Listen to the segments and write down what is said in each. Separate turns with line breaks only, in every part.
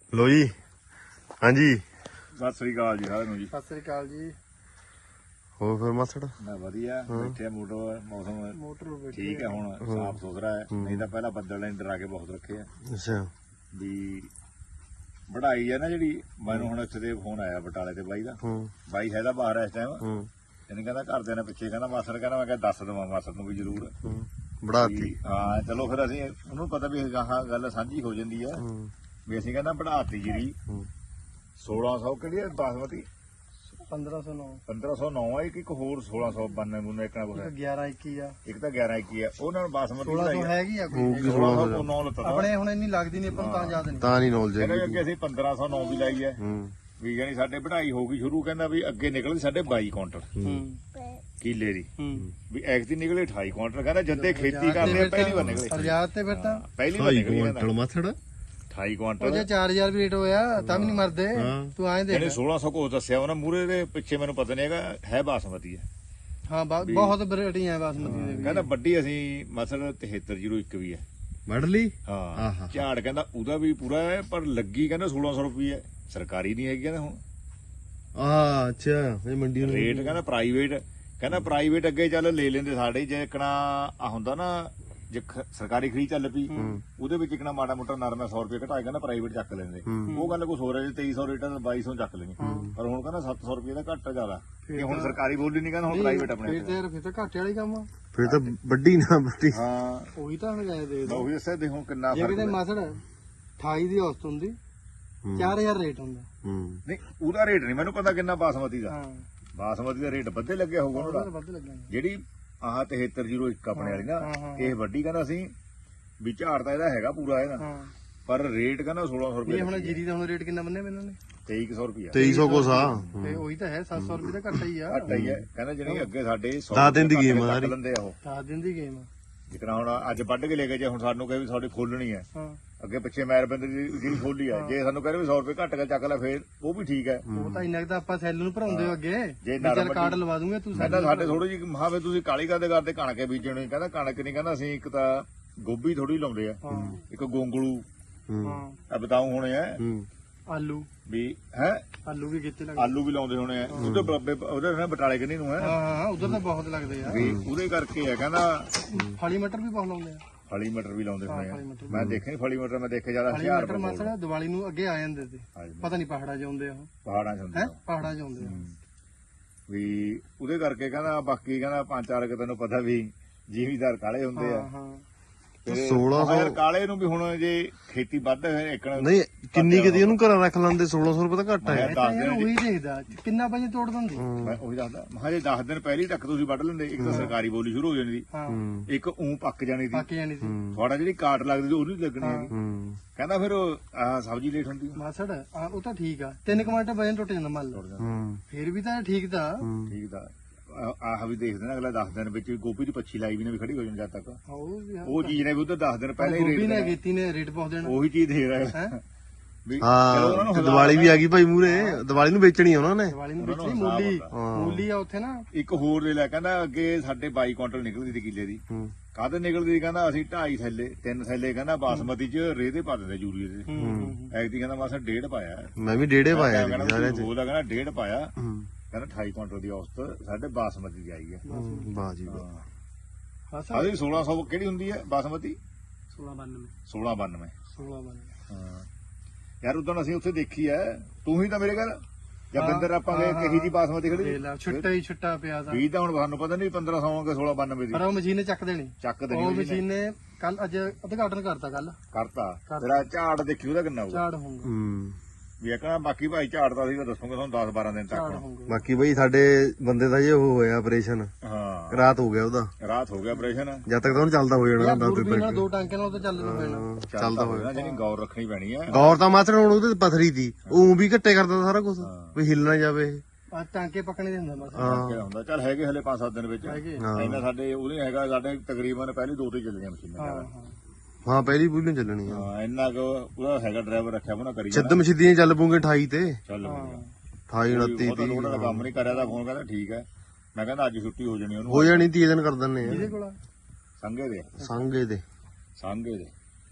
ਲੋ ਜੀ। ਹਾਂਜੀ
ਸਤਿ ਸ੍ਰੀ ਅਕਾਲ ਜੀ ਸਾਰਿਆਂ ਨੂੰ ਜੀ।
ਸਤਿ ਸ੍ਰੀ ਅਕਾਲ ਜੀ।
ਹੋਰ ਫਿਰ ਮਾਸੜ
ਮੈਂ ਵਧੀਆ ਬੈਠੇ ਆ ਮੌਸਮ
ਮੋਟਰ
ਠੀਕ ਹੈ ਹੁਣ ਸਾਫ ਸੁਥਰਾ ਹੈ। ਨਹੀਂ ਤਾਂ ਪਹਿਲਾਂ ਬੱਦਲ ਨੇ ਡਰਾ ਕੇ ਬਹੁਤ ਰੱਖੇ ਆ
ਅੱਛਾ
ਵੀ ਵਢਾਈ ਹੈ ਨਾ ਜਿਹੜੀ। ਮੈਨੂੰ ਹੁਣ ਇੱਥੇ ਦੇ ਫੋਨ ਆਇਆ ਬਟਾਲੇ ਤੇ ਬਾਈ ਦਾ। ਬਾਈ ਹੈਗਾ ਬਾਹਰ ਇਸ ਟਾਈਮ। ਇਹਨੇ ਕਹਿੰਦਾ ਘਰਦਿਆਂ ਨੇ ਪਿੱਛੇ ਕਹਿੰਦਾ ਮਾਸੜ ਕਹਿੰਦਾ ਮੈਂ ਕਿਹਾ ਦੱਸ ਦੇਵਾਂ ਮਾਸੜ ਨੂੰ ਵੀ ਜ਼ਰੂਰ
ਬੜਾਤੀ।
ਹਾਂ ਚਲੋ ਫਿਰ ਅਸੀਂ ਉਹਨੂੰ ਪਤਾ ਵੀ ਗਾਹਾਂ ਗੱਲ ਸਾਂਝੀ ਹੋ ਜਾਂਦੀ ਆ ਵੀ ਅਸੀਂ ਕਹਿੰਦਾ ਵਢਾਤੀ ਜਿਹੜੀ 1600 ਕਿਹੜੀ ਹੈ ਬਾਸਮਤੀ
1509
1509 ਆ। ਇੱਕ ਹੋਰ 1692 ਮੁੰਨੇ ਇੱਕ
1121 ਆ।
ਇੱਕ ਤਾਂ 1121 ਆ। ਉਹਨਾਂ ਨੂੰ ਬਾਸਮਤੀ
1600 ਹੈਗੀ ਆ ਕੋਈ
1609 ਲੱਤਾ
ਆਪਣੇ ਹੁਣ ਇੰਨੀ ਲੱਗਦੀ ਨਹੀਂ ਆਪਾਂ ਨੂੰ ਤਾਂ ਯਾਦ ਨਹੀਂ।
ਤਾਂ ਨਹੀਂ ਨੌਲੇਜ
ਕਹਿੰਦੇ
ਹੈਗੀ।
ਕਿ ਅਸੀਂ 1509 ਵੀ ਲਾਈ ਹੈ ਵੀ ਜਾਨੀ ਸਾਡੇ ਵਢਾਈ ਹੋ ਗਈ ਸ਼ੁਰੂ। ਕਹਿੰਦਾ ਵੀ ਅੱਗੇ ਨਿਕਲਦੀ ਸਾਡੇ 22 ਕੁਇੰਟਲ ਕਿੱਲੇ ਦੀ ਵੀ ਐਕ ਦੀ ਨਿਕਲੇ 28 ਕੁਇੰਟਲ। ਕਹਿੰਦਾ ਜੱਦੇ ਖੇਤੀ ਕਰਦੇ ਪਹਿਲੀ ਵਾਰ ਨਿਕਲੇ
ਸਰਜਾਤ ਤੇ ਫਿਰ ਤਾਂ
ਪਹਿਲੀ ਵਾਰ ਨਿਕਲੇ
ਕੁਇੰਟਲ ਮਾਸੜ
28
ਉਹ
ਕੁਇੰਟਲ।
ਜੇ 4000 ਵੀ ਰੇਟ ਹੋਇਆ ਤਾਂ ਵੀ ਨਹੀਂ ਮਰਦੇ। ਤੂੰ ਆਏ ਦੇਖ
ਇਹਨੇ 1600 ਕੋਸ ਦੱਸਿਆ ਉਹਨਾਂ ਮੂਰੇ ਦੇ ਪਿੱਛੇ ਮੈਨੂੰ ਪਤਾ ਨਹੀਂ ਹੈਗਾ ਹੈ ਬਾਸਮਤੀ ਹੈ।
ਹਾਂ ਬਹੁਤ ਵੈਰਾਈਟੀਆਂ ਬਾਸਮਤੀ ਦੇ ਵੀ।
ਕਹਿੰਦਾ ਵੱਡੀ ਅਸੀਂ ਮਸਲ 7301 ਵੀ ਹੈ
ਵੜ ਲਈ।
ਹਾਂ ਝਾੜ ਕਹਿੰਦਾ ਉਹਦਾ ਵੀ ਪੂਰਾ ਹੈ ਪਰ ਲੱਗੀ ਕਹਿੰਦਾ 1600 ਰੁਪਏ ਸਰਕਾਰੀ ਨਹੀਂ ਹੈਗੀ ਕਹਿੰਦਾ ਹੁਣ।
ਅੱਛਾ ਇਹ ਮੰਡੀ ਨੂੰ
ਰੇਟ ਕਹਿੰਦਾ ਪ੍ਰਾਈਵੇਟ। ਕਹਿੰਦਾ ਪ੍ਰਾਈਵੇਟ ਅੱਗੇ ਚੱਲ ਲੈ ਲੈਂਦੇ ਸਾਡੇ ਜੇ ਇਕਣਾ ਆ ਹੁੰਦਾ ਨਾ ਜੇ ਸਰਕਾਰੀ ਖਰੀਦ ਚੱਲ ਪਈ ਉਹਦੇ ਵਿੱਚ ਇਕਣਾ ਮਾੜਾ ਮੋਟਾ ਨਰਮਾ 100 ਰੁਪਏ ਘਟਾਏ ਕਹਿੰਦਾ ਪ੍ਰਾਈਵੇਟ ਚੱਕ ਲੈਂਦੇ। ਉਹ ਗੱਲ ਕੁਛ ਹੋ ਰਿਹਾ ਜੇ 2300 ਰੇਟ 2200 ਚੱਕ ਲੈਂਗੇ ਪਰ ਹੁਣ ਕਹਿੰਦਾ 700 ਰੁਪਏ ਦਾ ਘੱਟ ਜ਼ਿਆਦਾ ਕਿ ਹੁਣ ਸਰਕਾਰੀ ਬੋਲੀ ਨਹੀਂ ਕਹਿੰਦਾ ਹੁਣ ਪ੍ਰਾਈਵੇਟ ਆਪਣੇ
ਫਿਰ ਤਾਂ ਘਾਟੇ ਵਾਲੀ ਕੰਮ ਆ।
ਫਿਰ ਤਾਂ ਵੱਡੀ ਨਾ ਵੱਡੀ।
ਹਾਂ
ਉਹੀ ਤਾਂ ਹੁਣ ਗਏ ਦੇ
ਉਹੀ ਦੱਸਿਆ ਦੇ ਹੁਣ ਕਿੰਨਾ
ਜੇ
ਫਰਕ
ਕਿਤੇ ਮਸੜ 28 ਦੀ ਔਸਤ ਹੁੰਦੀ 4000 ਰੇਟ ਹੁੰਦਾ।
ਨਹੀਂ ਉਹਦਾ ਰੇਟ ਨਹੀਂ ਮੈਨੂੰ ਪਤਾ ਕਿੰਨਾ ਬਾਸਮਤੀ ਦਾ।
ਹਾਂ
ਬਾਸਮਤੀ ਦਾ ਰੇਟ ਵੱਧੇ ਲੱਗਿਆ ਹੋਊਗਾ ਉਹਦਾ।
ਵੱਧ ਲੱਗਿਆ
ਜਿਹੜੀ ਆਹ 7301 ਆਪਣੇ ਵਾਲੀ ਨਾ ਇਹ ਵੱਡੀ ਕਹਿੰਦਾ ਅਸੀਂ ਵੀ ਝਾੜ ਤਾਂ ਇਹਦਾ ਹੈਗਾ ਪੂਰਾ ਇਹਦਾ
ਹਾਂ
ਪਰ ਰੇਟ ਕਹਿੰਦਾ 1600 ਰੁਪਏ।
ਇਹ ਹੁਣ ਜੀਰੀ ਦਾ ਹੁਣ ਰੇਟ ਕਿੰਨਾ ਬੰਨੇ ਇਹਨਾਂ ਨੇ
2300 ਰੁਪਏ
2300 ਕੋਸ ਆ।
ਤੇ ਉਹੀ ਤਾਂ ਹੈ 700 ਰੁਪਏ ਦਾ ਘੱਟਾ ਹੀ ਆ।
ਘੱਟ ਹੀ ਹੈ। ਕਹਿੰਦਾ ਜਿਹੜੀ ਅੱਗੇ ਸਾਡੇ
10 ਦਿਨ ਦੀ ਗੇਮ ਆ ਸਾਰੀ।
ਲੈਂਦੇ ਆ ਉਹ
10 ਦਿਨ ਦੀ ਗੇਮ ਆ।
ਜਿਕਣਾ ਹੁਣ ਅੱਜ ਵੱਢ ਕੇ ਲੈ ਕੇ ਜੇ ਹੁਣ ਸਾਨੂੰ ਕਹੇ ਵੀ ਤੁਹਾਡੀ ਖੋਲਣੀ ਹੈ
ਹਾਂ
ਅੱਗੇ ਪਿੱਛੇ ਮੈਰ ਬੰਦੇ ਦੀ ਜਿਹੜੀ ਖੋਲੀ ਹੈ ਜੇ ਸਾਨੂੰ ਕਹਿੰਦੇ ਵੀ 100 ਰੁਪਏ ਘੱਟ ਕੇ ਚੱਕ ਲੈ ਫੇਰ ਉਹ ਵੀ ਠੀਕ ਹੈ।
ਉਹ ਤਾਂ ਇੰਨਾ ਕੁ ਤਾਂ ਆਪਾਂ ਸੈੱਲ ਨੂੰ ਭਰਾਉਂਦੇ ਹੋ ਅੱਗੇ
ਜੇ
ਵੀ ਚੱਲ ਕਾਰਡ ਲਵਾ ਦੂੰਗੇ ਤੂੰ
ਕਹਿੰਦਾ ਸਾਡੇ ਥੋੜੀ ਜਿਹੀ ਮਹਾਵੇ ਤੁਸੀਂ ਕਾਲੀ ਕਰਦੇ ਕਣਕ ਬੀਜਣੀ। ਕਹਿੰਦਾ ਕਣਕ ਨਹੀਂ ਕਹਿੰਦਾ ਅਸੀਂ ਇੱਕ ਤਾਂ ਗੋਭੀ ਥੋੜੀ ਲਾਉਂਦੇ ਆ ਇੱਕ ਗੋਂਗਲੂ
ਹਾਂ
ਆ ਬਤਾਉ ਹੋਣੇ ਆ
ਆਲੂ
ਵੀ ਹੈ
ਆਲੂ ਵੀ ਕਿੱਥੇ ਲੱਗਦੇ।
ਆਲੂ ਵੀ ਲਾਉਂਦੇ ਹੋਣੇ ਆ ਉਹਦੇ ਬਰਾਬੇ ਉਹਦੇ ਨਾ ਬਟਾਲੇ ਕਿੰਨੀ ਨੂੰ ਹੈ
ਹਾਂ ਉਧਰ ਤਾਂ ਬਹੁਤ ਲੱਗਦੇ ਆ।
ਵੀ ਉਹਦੇ ਕਰਕੇ ਆ ਕਹਿੰਦਾ
ਫਲੀ ਮਟਰ ਵੀ ਬਹੁਤ ਲਾਉਂਦੇ ਆ।
ਫਲੀ ਮਟਰ ਵੀ ਲਾਉਂਦੇ ਹੋਣੇ ਆ।
ਫਲੀ ਮਟਰ
ਮੈਂ ਦੇਖੇ ਫਲੀ ਮਟਰ ਮੈਂ ਦੇਖੇ ਜਿਆਦਾ
ਫਲੀ
ਹਜ਼ਾਰ
ਮਟਰ ਮਸਲਾ ਦੀਵਾਲੀ ਨੂੰ ਅੱਗੇ ਆ ਜਾਂਦੇ ਤੇ ਪਤਾ ਨਹੀਂ ਪਹਾੜਾਂ 'ਚ ਆਉਂਦੇ ਆ ਉਹ
ਪਹਾੜਾਂ ਚ ਹੁੰਦੇ
ਹੈ
ਆ।
ਪਹਾੜਾਂ 'ਚ ਆਉਂਦੇ ਆ।
ਵੀ ਉਹਦੇ ਕਰਕੇ ਕਹਿੰਦਾ ਬਾਕੀ ਕਹਿੰਦਾ 5-4 ਤੈਨੂੰ ਪਤਾ ਵੀ ਜ਼ਿਮੀਦਾਰ ਕਾਲੇ ਹੁੰਦੇ ਆ।
ਹਾਂ
1600
ਯਾਰ ਕਾਲੇ ਨੂੰ ਵੀ ਹੁਣ ਜੇ ਖੇਤੀ ਵੱਧ ਇੱਕਣਾ
ਨਹੀਂ ਕਿੰਨੀ ਕਿਤੇ ਉਹਨੂੰ ਘਰਾਂ ਰੱਖ ਲੈਂਦੇ 1600 ਰੁਪਏ ਤਾਂ ਘੱਟ ਹੈ।
ਮੈਂ ਤਾਂ ਯਾਰ ਉਹੀ ਦੇਖਦਾ ਕਿੰਨਾ ਵਜੇ ਤੋੜ ਦਿੰਦੀ।
ਮੈਂ ਉਹੀ ਦੱਸਦਾ ਮੈਂ ਜੇ 10 ਦਿਨ ਪਹਿਲੀ ਤੱਕ ਤੁਸੀਂ ਵੱਢ ਲੈਂਦੇ ਇੱਕ ਤਾਂ ਸਰਕਾਰੀ ਬੋਲੀ ਸ਼ੁਰੂ ਹੋ ਜਾਣੀ ਸੀ
ਹਾਂ
ਇੱਕ ਊਂ ਪੱਕ ਜਾਣੀ ਸੀ
ਬਾਕੀ ਜਾਨੀ ਸੀ
ਤੁਹਾਡਾ ਜਿਹੜੀ ਕਾਟ ਲੱਗਦੀ ਸੀ ਉਹ ਨਹੀਂ ਲੱਗਣੀ ਹੈਗੀ। ਕਹਿੰਦਾ ਫਿਰ ਆਹ ਸਬਜ਼ੀ ਲੇਟ ਹੁੰਦੀ
ਮਾਸੜ ਉਹ ਤਾਂ ਠੀਕ ਆ 3 ਕੁਇੰਟਲ ਵਜਨ ਟੁੱਟ ਜਾਂਦਾ ਮੰਨ ਲਓ ਫਿਰ ਵੀ ਤਾਂ ਠੀਕ ਤਾਂ
ਠੀਕ ਦਾ ਆਹ ਵੀ ਦੇਖਦੇ ਨਾ ਅਗਲਾ 10 ਦਿਨ ਵਿੱਚ ਗੋਭੀ ਦੀ ਪੱਛੀ ਲਾਈ ਵੀ ਨੇ ਵੀ ਖੜੀ ਹੋ ਜਾਣੀ ਜਦ ਤੱਕ ਉਹ ਚੀਜ਼ ਨੇ ਵੀ ਉਧਰ 10 ਦਿਨ ਪਹਿਲਾਂ ਹੀ
ਗੋਭੀ ਨੇ
ਰੇਟ
ਕੀਤੀ ਨੇ ਰੇਟ ਪਾਉ ਦੇਣਾ
ਉਹੀ ਚੀਜ਼ ਦੇ ਰਿਹਾ ਵੀ ਚਲੋ ਉਹਨਾਂ
ਹਾਂ
ਨੂੰ
ਤੇ ਦੀਵਾਲੀ ਵੀ ਆ ਗਈ ਭਾਈ ਮੂਰੇ ਦੀਵਾਲੀ ਨੂੰ ਵੇਚਣੀ ਆ ਉਹਨਾਂ ਨੇ।
ਦੀਵਾਲੀ ਨੂੰ ਵੇਚੀ ਮੂਲੀ ਆ ਉੱਥੇ ਨਾ
ਇੱਕ ਹੋਰ ਲੈ ਕਹਿੰਦਾ ਅੱਗੇ ਸਾਡੇ 22 ਕੁਇੰਟਲ ਨਿਕਲਦੀ ਸੀ ਕਿੱਲੇ ਦੀ। ਕਾਹਦੇ ਨਿਕਲਦੀ ਸੀ ਕਹਿੰਦਾ ਅਸੀਂ 2.5 ਥੈਲੇ 3 ਥੈਲੇ ਕਹਿੰਦਾ ਬਾਸਮਤੀ ਚ ਰੇਹ ਦੇ ਪਾ ਦਿੰਦੇ ਯੂਰੀਏ ਦੇ। ਐਗਦੀ ਕਹਿੰਦਾ ਮਾਸਾ 1.5 ਪਾਇਆ
ਮੈਂ ਵੀ 1.5 ਪਾਇਆ ਸੀ ਸਾਰਿਆਂ ਚ।
ਉਹਦਾ ਕਹਿੰਦਾ 1.5 ਪਾਇਆ ਕਹਿੰਦਾ 28 ਕੁਇੰਟਲ ਦੀ ਔਸਤ ਸਾਡੇ ਬਾਸਮਤੀ ਦੀ ਆਈ ਹੈ।
ਵਾਹ ਜੀ ਵਾਹ।
ਆਹ 1600 ਕਿਹੜੀ ਹੁੰਦੀ ਹੈ ਬਾਸਮਤੀ
1692
1692 ਹਾਂ ਯਾਰ ਉਦੋਂ ਅਸੀਂ ਉੱਥੇ ਦੇਖੀ ਹੈ ਤੂੰ ਹੀ ਤਾਂ ਮੇਰੇ ਘਰ ਜਾਂ ਬਿੰਦਰ ਆਪਾਂ ਗਏ ਕਹੀ ਜੀ ਬਾਸਮਤੀ ਖੜੀ
ਛੁੱਟਾ ਹੀ ਛੁੱਟਾ ਪਿਆ ਤਾਂ
ਵੀ ਤਾਂ ਹੁਣ ਸਾਨੂੰ ਪਤਾ ਨਹੀਂ 1500 ਕੇ 1692 ਦੀ
ਪਰ ਉਹ ਮਸ਼ੀਨ ਨੇ ਚੱਕ ਦੇਣੀ।
ਚੱਕ
ਉਹ
ਦੇਣੀ
ਮਸ਼ੀਨ ਨੇ ਕੱਲ ਅੱਜ ਉਦਘਾਟਨ ਕਰਤਾ ਕੱਲ
ਕਰਤਾ ਤੇਰਾ ਝਾੜ ਦੇਖੀ ਉਹਦਾ ਕਿੰਨਾ ਹੋਊਗਾ
ਝਾੜ ਹੋਊਗਾ
ਵੀ ਕਹਣਾ ਬਾਕੀ ਭਾਈ ਝਾੜ ਦਾ ਸੀ ਦੱਸੂਗਾ ਤੁਹਾਨੂੰ 10-12 ਦਿਨ
ਝਾੜ
ਤੱਕ।
ਹੋਊਗਾ
ਬਾਕੀ ਬਈ ਸਾਡੇ ਬੰਦੇ ਦਾ ਜੇ ਉਹ ਹੋਇਆ ਆਪਰੇਸ਼ਨ
ਹਾਂ
ਰਾਤ ਹੋ ਗਿਆ ਉਹਦਾ।
ਰਾਤ ਹੋ ਗਿਆ ਆਪਰੇਸ਼ਨ
ਜਦ ਤੱਕ ਤਾਂ ਉਹਨੂੰ ਚੱਲਦਾ ਹੋ ਜਾਣਾ ਹੁੰਦਾ
ਦੂਰਬੀਨ ਨਾਲ 2 ਟਾਂਕਿਆਂ ਨਾਲ ਤਾਂ ਚੱਲਣਾ ਪੈਣਾ।
ਚੱਲਦਾ ਹੋਇਆ ਜਿਹਨੀ ਗੌਰ ਰੱਖਣੀ ਪੈਣੀ ਹੈ।
ਗੌਰ ਤਾਂ ਮਾਤਰ ਹੁਣ ਉਹਦੇ ਪਥਰੀ ਦੀ ਉਹ ਵੀ ਘੱਟੇ ਕਰਦਾ ਸਾਰਾ ਕੁਝ ਵੀ ਹਿੱਲ ਨਾ ਜਾਵੇ ਇਹ।
ਆ ਟਾਂਕੇ ਪੱਕਣੇ ਦੇ ਹੁੰਦਾ ਬਸ
ਕਿਹੜਾ ਹੁੰਦਾ ਚੱਲ ਹੈਗੇ ਹਲੇ 5-7 ਦਿਨ ਵਿੱਚ
ਹੈਗੇ।
ਇੰਨਾ ਸਾਡੇ ਉਹਦੇ ਹੈਗਾ ਸਾਡੇ ਤਕਰੀਬਨ ਪਹਿਲੀ 2 ਤੇ ਚੱਲੀਆਂ ਮਸ਼ੀਨਾਂ
ਹਾਂ
ਹਾਂ ਪਹਿਲੀ ਪੂਰੀ ਨੂੰ ਚੱਲਣੀ ਆ।
ਹਾਂ ਇੰਨਾ ਕੁ ਉਹਦਾ ਹੈਗਾ ਡਰਾਈਵਰ ਰੱਖਿਆ ਬਣਾ ਕਰੀ
ਛੱਦਮ ਛਿੱਦੀਆਂ ਚੱਲ ਪੂਗੇ 28 ਤੇ
ਚੱਲ
28 29
ਉਹ ਤਾਂ ਲੋੜ ਦਾ ਕੰਮ ਨਹੀਂ ਕਰਿਆ ਦਾ ਫੋਨ ਕਹਿੰਦਾ ਠੀਕ ਹੈ। ਮੈਂ ਕਹਿੰਦਾ ਅੱਜ ਛੁੱਟੀ ਹੋ ਜਾਣੀ ਉਹਨੂੰ
ਹੋ ਜਾਣੀ 30 ਦਿਨ ਕਰ ਦਿੰਨੇ
ਇਹਦੇ
ਆ
ਕੋਲ
ਸੰਘੇ ਦੇ
ਸੰਘੇ ਦੇ
ਸੰਘੇ ਦੇ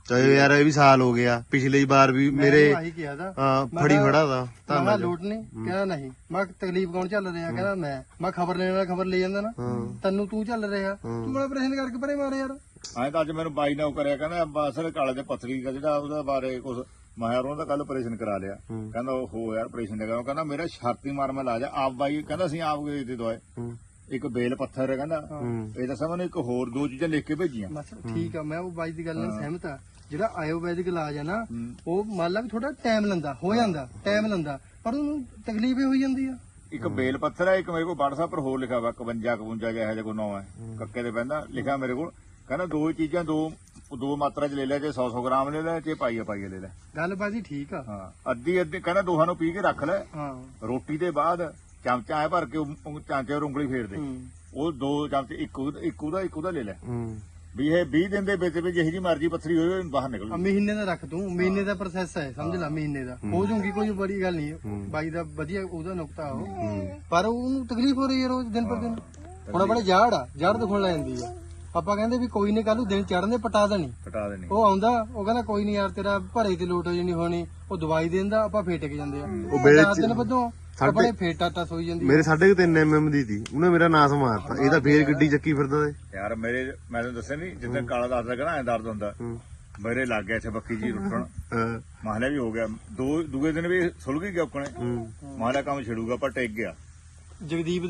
ਚਾਹੇ ਯਾਰ ਇਹ ਵੀ ਸਾਲ ਹੋ ਗਿਆ, ਪਿਛਲੀ ਵਾਰ ਵੀ ਮੇਰੇ
ਆਹੀ ਕਿਹਾ ਦਾ
ਫੜੀ ਖੜਾ ਦਾ
ਮੈਂ ਲੋਟ ਨਹੀਂ ਕਹਿੰਦਾ ਨਹੀਂ ਮੈਂ ਤਕਲੀਫ ਕੌਣ ਚੱਲ ਰਿਹਾ ਕਹਿੰਦਾ ਮੈਂ ਖਬਰ ਲੈਣ ਵਾਲਾ ਖਬਰ ਲੈ ਜਾਂਦਾ ਨਾ ਤੈਨੂੰ ਤੂੰ ਚੱਲ ਰਿਹਾ ਤੂੰ ਬੜਾ ਪ੍ਰਸ਼ਨ ਕਰਕੇ ਪਰੇ ਮਾਰੇ ਯਾਰ
ਐਂ ਤਾਂ ਅੱਜ ਮੈਨੂੰ ਬਾਈ ਨੇ ਉਹ ਕਰਿਆ ਕਹਿੰਦਾ ਅਸਲ ਕਾਲੇ ਦੇ ਪੱਥਰੀ ਦਾ ਜਿਹੜਾ ਉਹਦੇ ਬਾਰੇ ਕੁਝ ਮੈਂ ਉਹਨਾਂ ਦਾ ਕੱਲ ਆਪਰੇਸ਼ਨ ਕਰਾ ਲਿਆ ਕਹਿੰਦਾ ਉਹ ਯਾਰ ਆਪਰੇਸ਼ਨ ਲਗਾ ਉਹ ਕਹਿੰਦਾ ਮੇਰਾ ਛਾਤੀ ਮਾਰ ਮੈਂ ਲਾ ਜਾ ਆਪ ਬਾਈ ਕਹਿੰਦਾ ਅਸੀਂ ਆਪ ਗਏ ਤੇ ਦਵਾਏ ਇੱਕ ਬੇਲ ਪੱਥਰ ਹੈ ਕਹਿੰਦਾ ਇਹ ਦੱਸਾਂ ਮੈਨੂੰ ਇੱਕ ਹੋਰ 2 ਚੀਜ਼ਾਂ ਲਿਖ ਕੇ ਭੇਜੀਆਂ
ਬਸ ਠੀਕ ਆ ਮੈਂ ਉਹ ਬਾਈ ਦੀ ਗੱਲ ਨਾਲ ਸਹਿਮਤ ਆ ਜਿਹੜਾ ਆਯੁਰਵੈਦਿਕ ਇਲਾਜ ਆ ਨਾ ਉਹ ਮੰਨ ਲਾ ਵੀ ਥੋੜਾ ਟਾਈਮ ਲੈਂਦਾ ਹੋ ਜਾਂਦਾ ਟਾਈਮ ਲੈਂਦਾ ਪਰ ਉਹਨੂੰ ਤਕਲੀਫ ਹੀ ਹੋਈ ਜਾਂਦੀ ਆ
ਇੱਕ ਬੇਲ ਪੱਥਰ ਹੈ ਇੱਕ ਮੇਰੇ ਕੋਲ WhatsApp ਪਰ ਹੋਰ ਲਿਖਿਆ ਵਾ 51 52 ਜਿਹਾ ਇਹੋ ਜਿਹਾ ਕੋਈ ਨਾਂ ਹੈ ਕੱਕੇ ਦੇ ਪੈਂਦਾ ਲਿਖਿਆ ਮੇਰੇ ਕੋਲ ਕਹਿੰਦਾ 2 ਚੀਜ਼ਾਂ ਦੋ ਮਾਤਰਾ ਚ ਲੈ ਲੈ ਜੇ 100 ਗ੍ਰਾਮ ਲੈ ਲੈ ਜੇ ਪਾਈਆ ਲੈ ਲੈ
ਗੱਲ ਬਾਜੀ ਠੀਕ ਆ
ਹਾਂ ਅੱਧੀ ਕਹਿੰਦਾ ਦੋਹਾਂ ਨੂੰ ਪੀ ਕੇ ਰੱਖ ਲੈ
ਹਾਂ
ਰੋਟੀ ਦੇ ਬਾਅਦ ਚਮਚਾ ਐ ਭਰ ਕੇ ਚਾਂਚੇ ਉਂਗਲੀ ਫੇਰ ਦੇ ਉਹ 2 ਚਮਚੇ ਇੱਕ ਉਹਦਾ ਲੈ ਲੈ ਵੀ ਇਹ 20 ਦਿਨ ਦੇ ਵਿੱਚ ਜਿਹੀ ਜੀ ਮਰਜ਼ੀ ਪੱਥਰੀ ਹੋਵੇ ਬਾਹਰ ਨਿਕਲ ਜਾਊ।
ਮਹੀਨੇ ਦਾ ਰੱਖ ਤੂੰ ਮਹੀਨੇ ਦਾ ਪ੍ਰੋਸੈਸ ਹੈ ਸਮਝ ਲੈ ਮਹੀਨੇ ਦਾ ਹੋ ਜਾਊਗੀ ਕੋਈ ਬੜੀ ਗੱਲ ਨਹੀਂ ਬਾਈ ਦਾ ਵਧੀਆ ਉਹਦਾ ਨੁਕਤਾ ਉਹ ਪਰ ਉਹਨੂੰ ਤਕਲੀਫ ਹੋ ਰਹੀ ਹੈ ਰੋਜ਼ ਦਿਨ ਪਰ ਦਿਨ ਹੁਣ ਆਪਣੇ ਜੜ ਦੁਖਣ ਲੱਗ ਜਾਂਦੀ ਆ ਆਪਾਂ ਕਹਿੰਦੇ ਵੀ ਕੋਈ ਨਹੀਂ ਕੱਲ ਨੂੰ ਦਿਨ ਚੜ੍ਹਨੇ ਪਟਾ ਦੇਣੀ ਉਹ ਆਉਂਦਾ ਉਹ ਕਹਿੰਦਾ ਕੋਈ ਨਹੀਂ ਯਾਰ ਤੇਰਾ ਭਰੇ ਤੇ ਲੋਟ ਹੋ ਜਾਣੀ ਹੋਣੀ ਉਹ ਦਵਾਈ ਦਿੰਦਾ ਆਪਾਂ ਫੇਰ ਟਿਕ ਜਾਂਦੇ ਆ ਉਹ 4 ਦਿਨ ਵੱਧੋਂ ਆਪਣੇ ਫੇਰ ਟਾਟਾ ਸੋਈ ਜਾਂਦੀ
ਮੇਰੇ 3.5 mm ਦੀ ਸੀ ਉਹਨੇ ਮੇਰਾ ਨਾਸ ਮਾਰਤਾ ਇਹ ਤਾਂ ਫੇਰ ਗੱਡੀ ਚੱਕੀ ਫਿਰਦਾ
ਯਾਰ ਮੈਂ ਤੁਹਾਨੂੰ ਦੱਸਿਆ ਨਹੀਂ ਜਿੱਦਾਂ ਕਾਲਾ ਦੱਸਦਾ ਕਹਿੰਦਾ ਐ ਦਰਦ ਹੁੰਦਾ ਮੇਰੇ ਲੱਗ ਗਿਆ ਇੱਥੇ ਬੱਕੀ ਜੀ ਰੁੱਟਣ ਮਾਹਲਾ ਵੀ ਹੋ ਗਿਆ ਦੂਏ ਦਿਨ ਵੀ ਸੁਲ ਗਈ ਗਿਆ ਆਪਣੇ ਮਾਹਲਾ ਕੰਮ ਛਿੜੂਗਾ ਪਰ ਟਿਕ ਗਿਆ
ਜਗਦੀਪ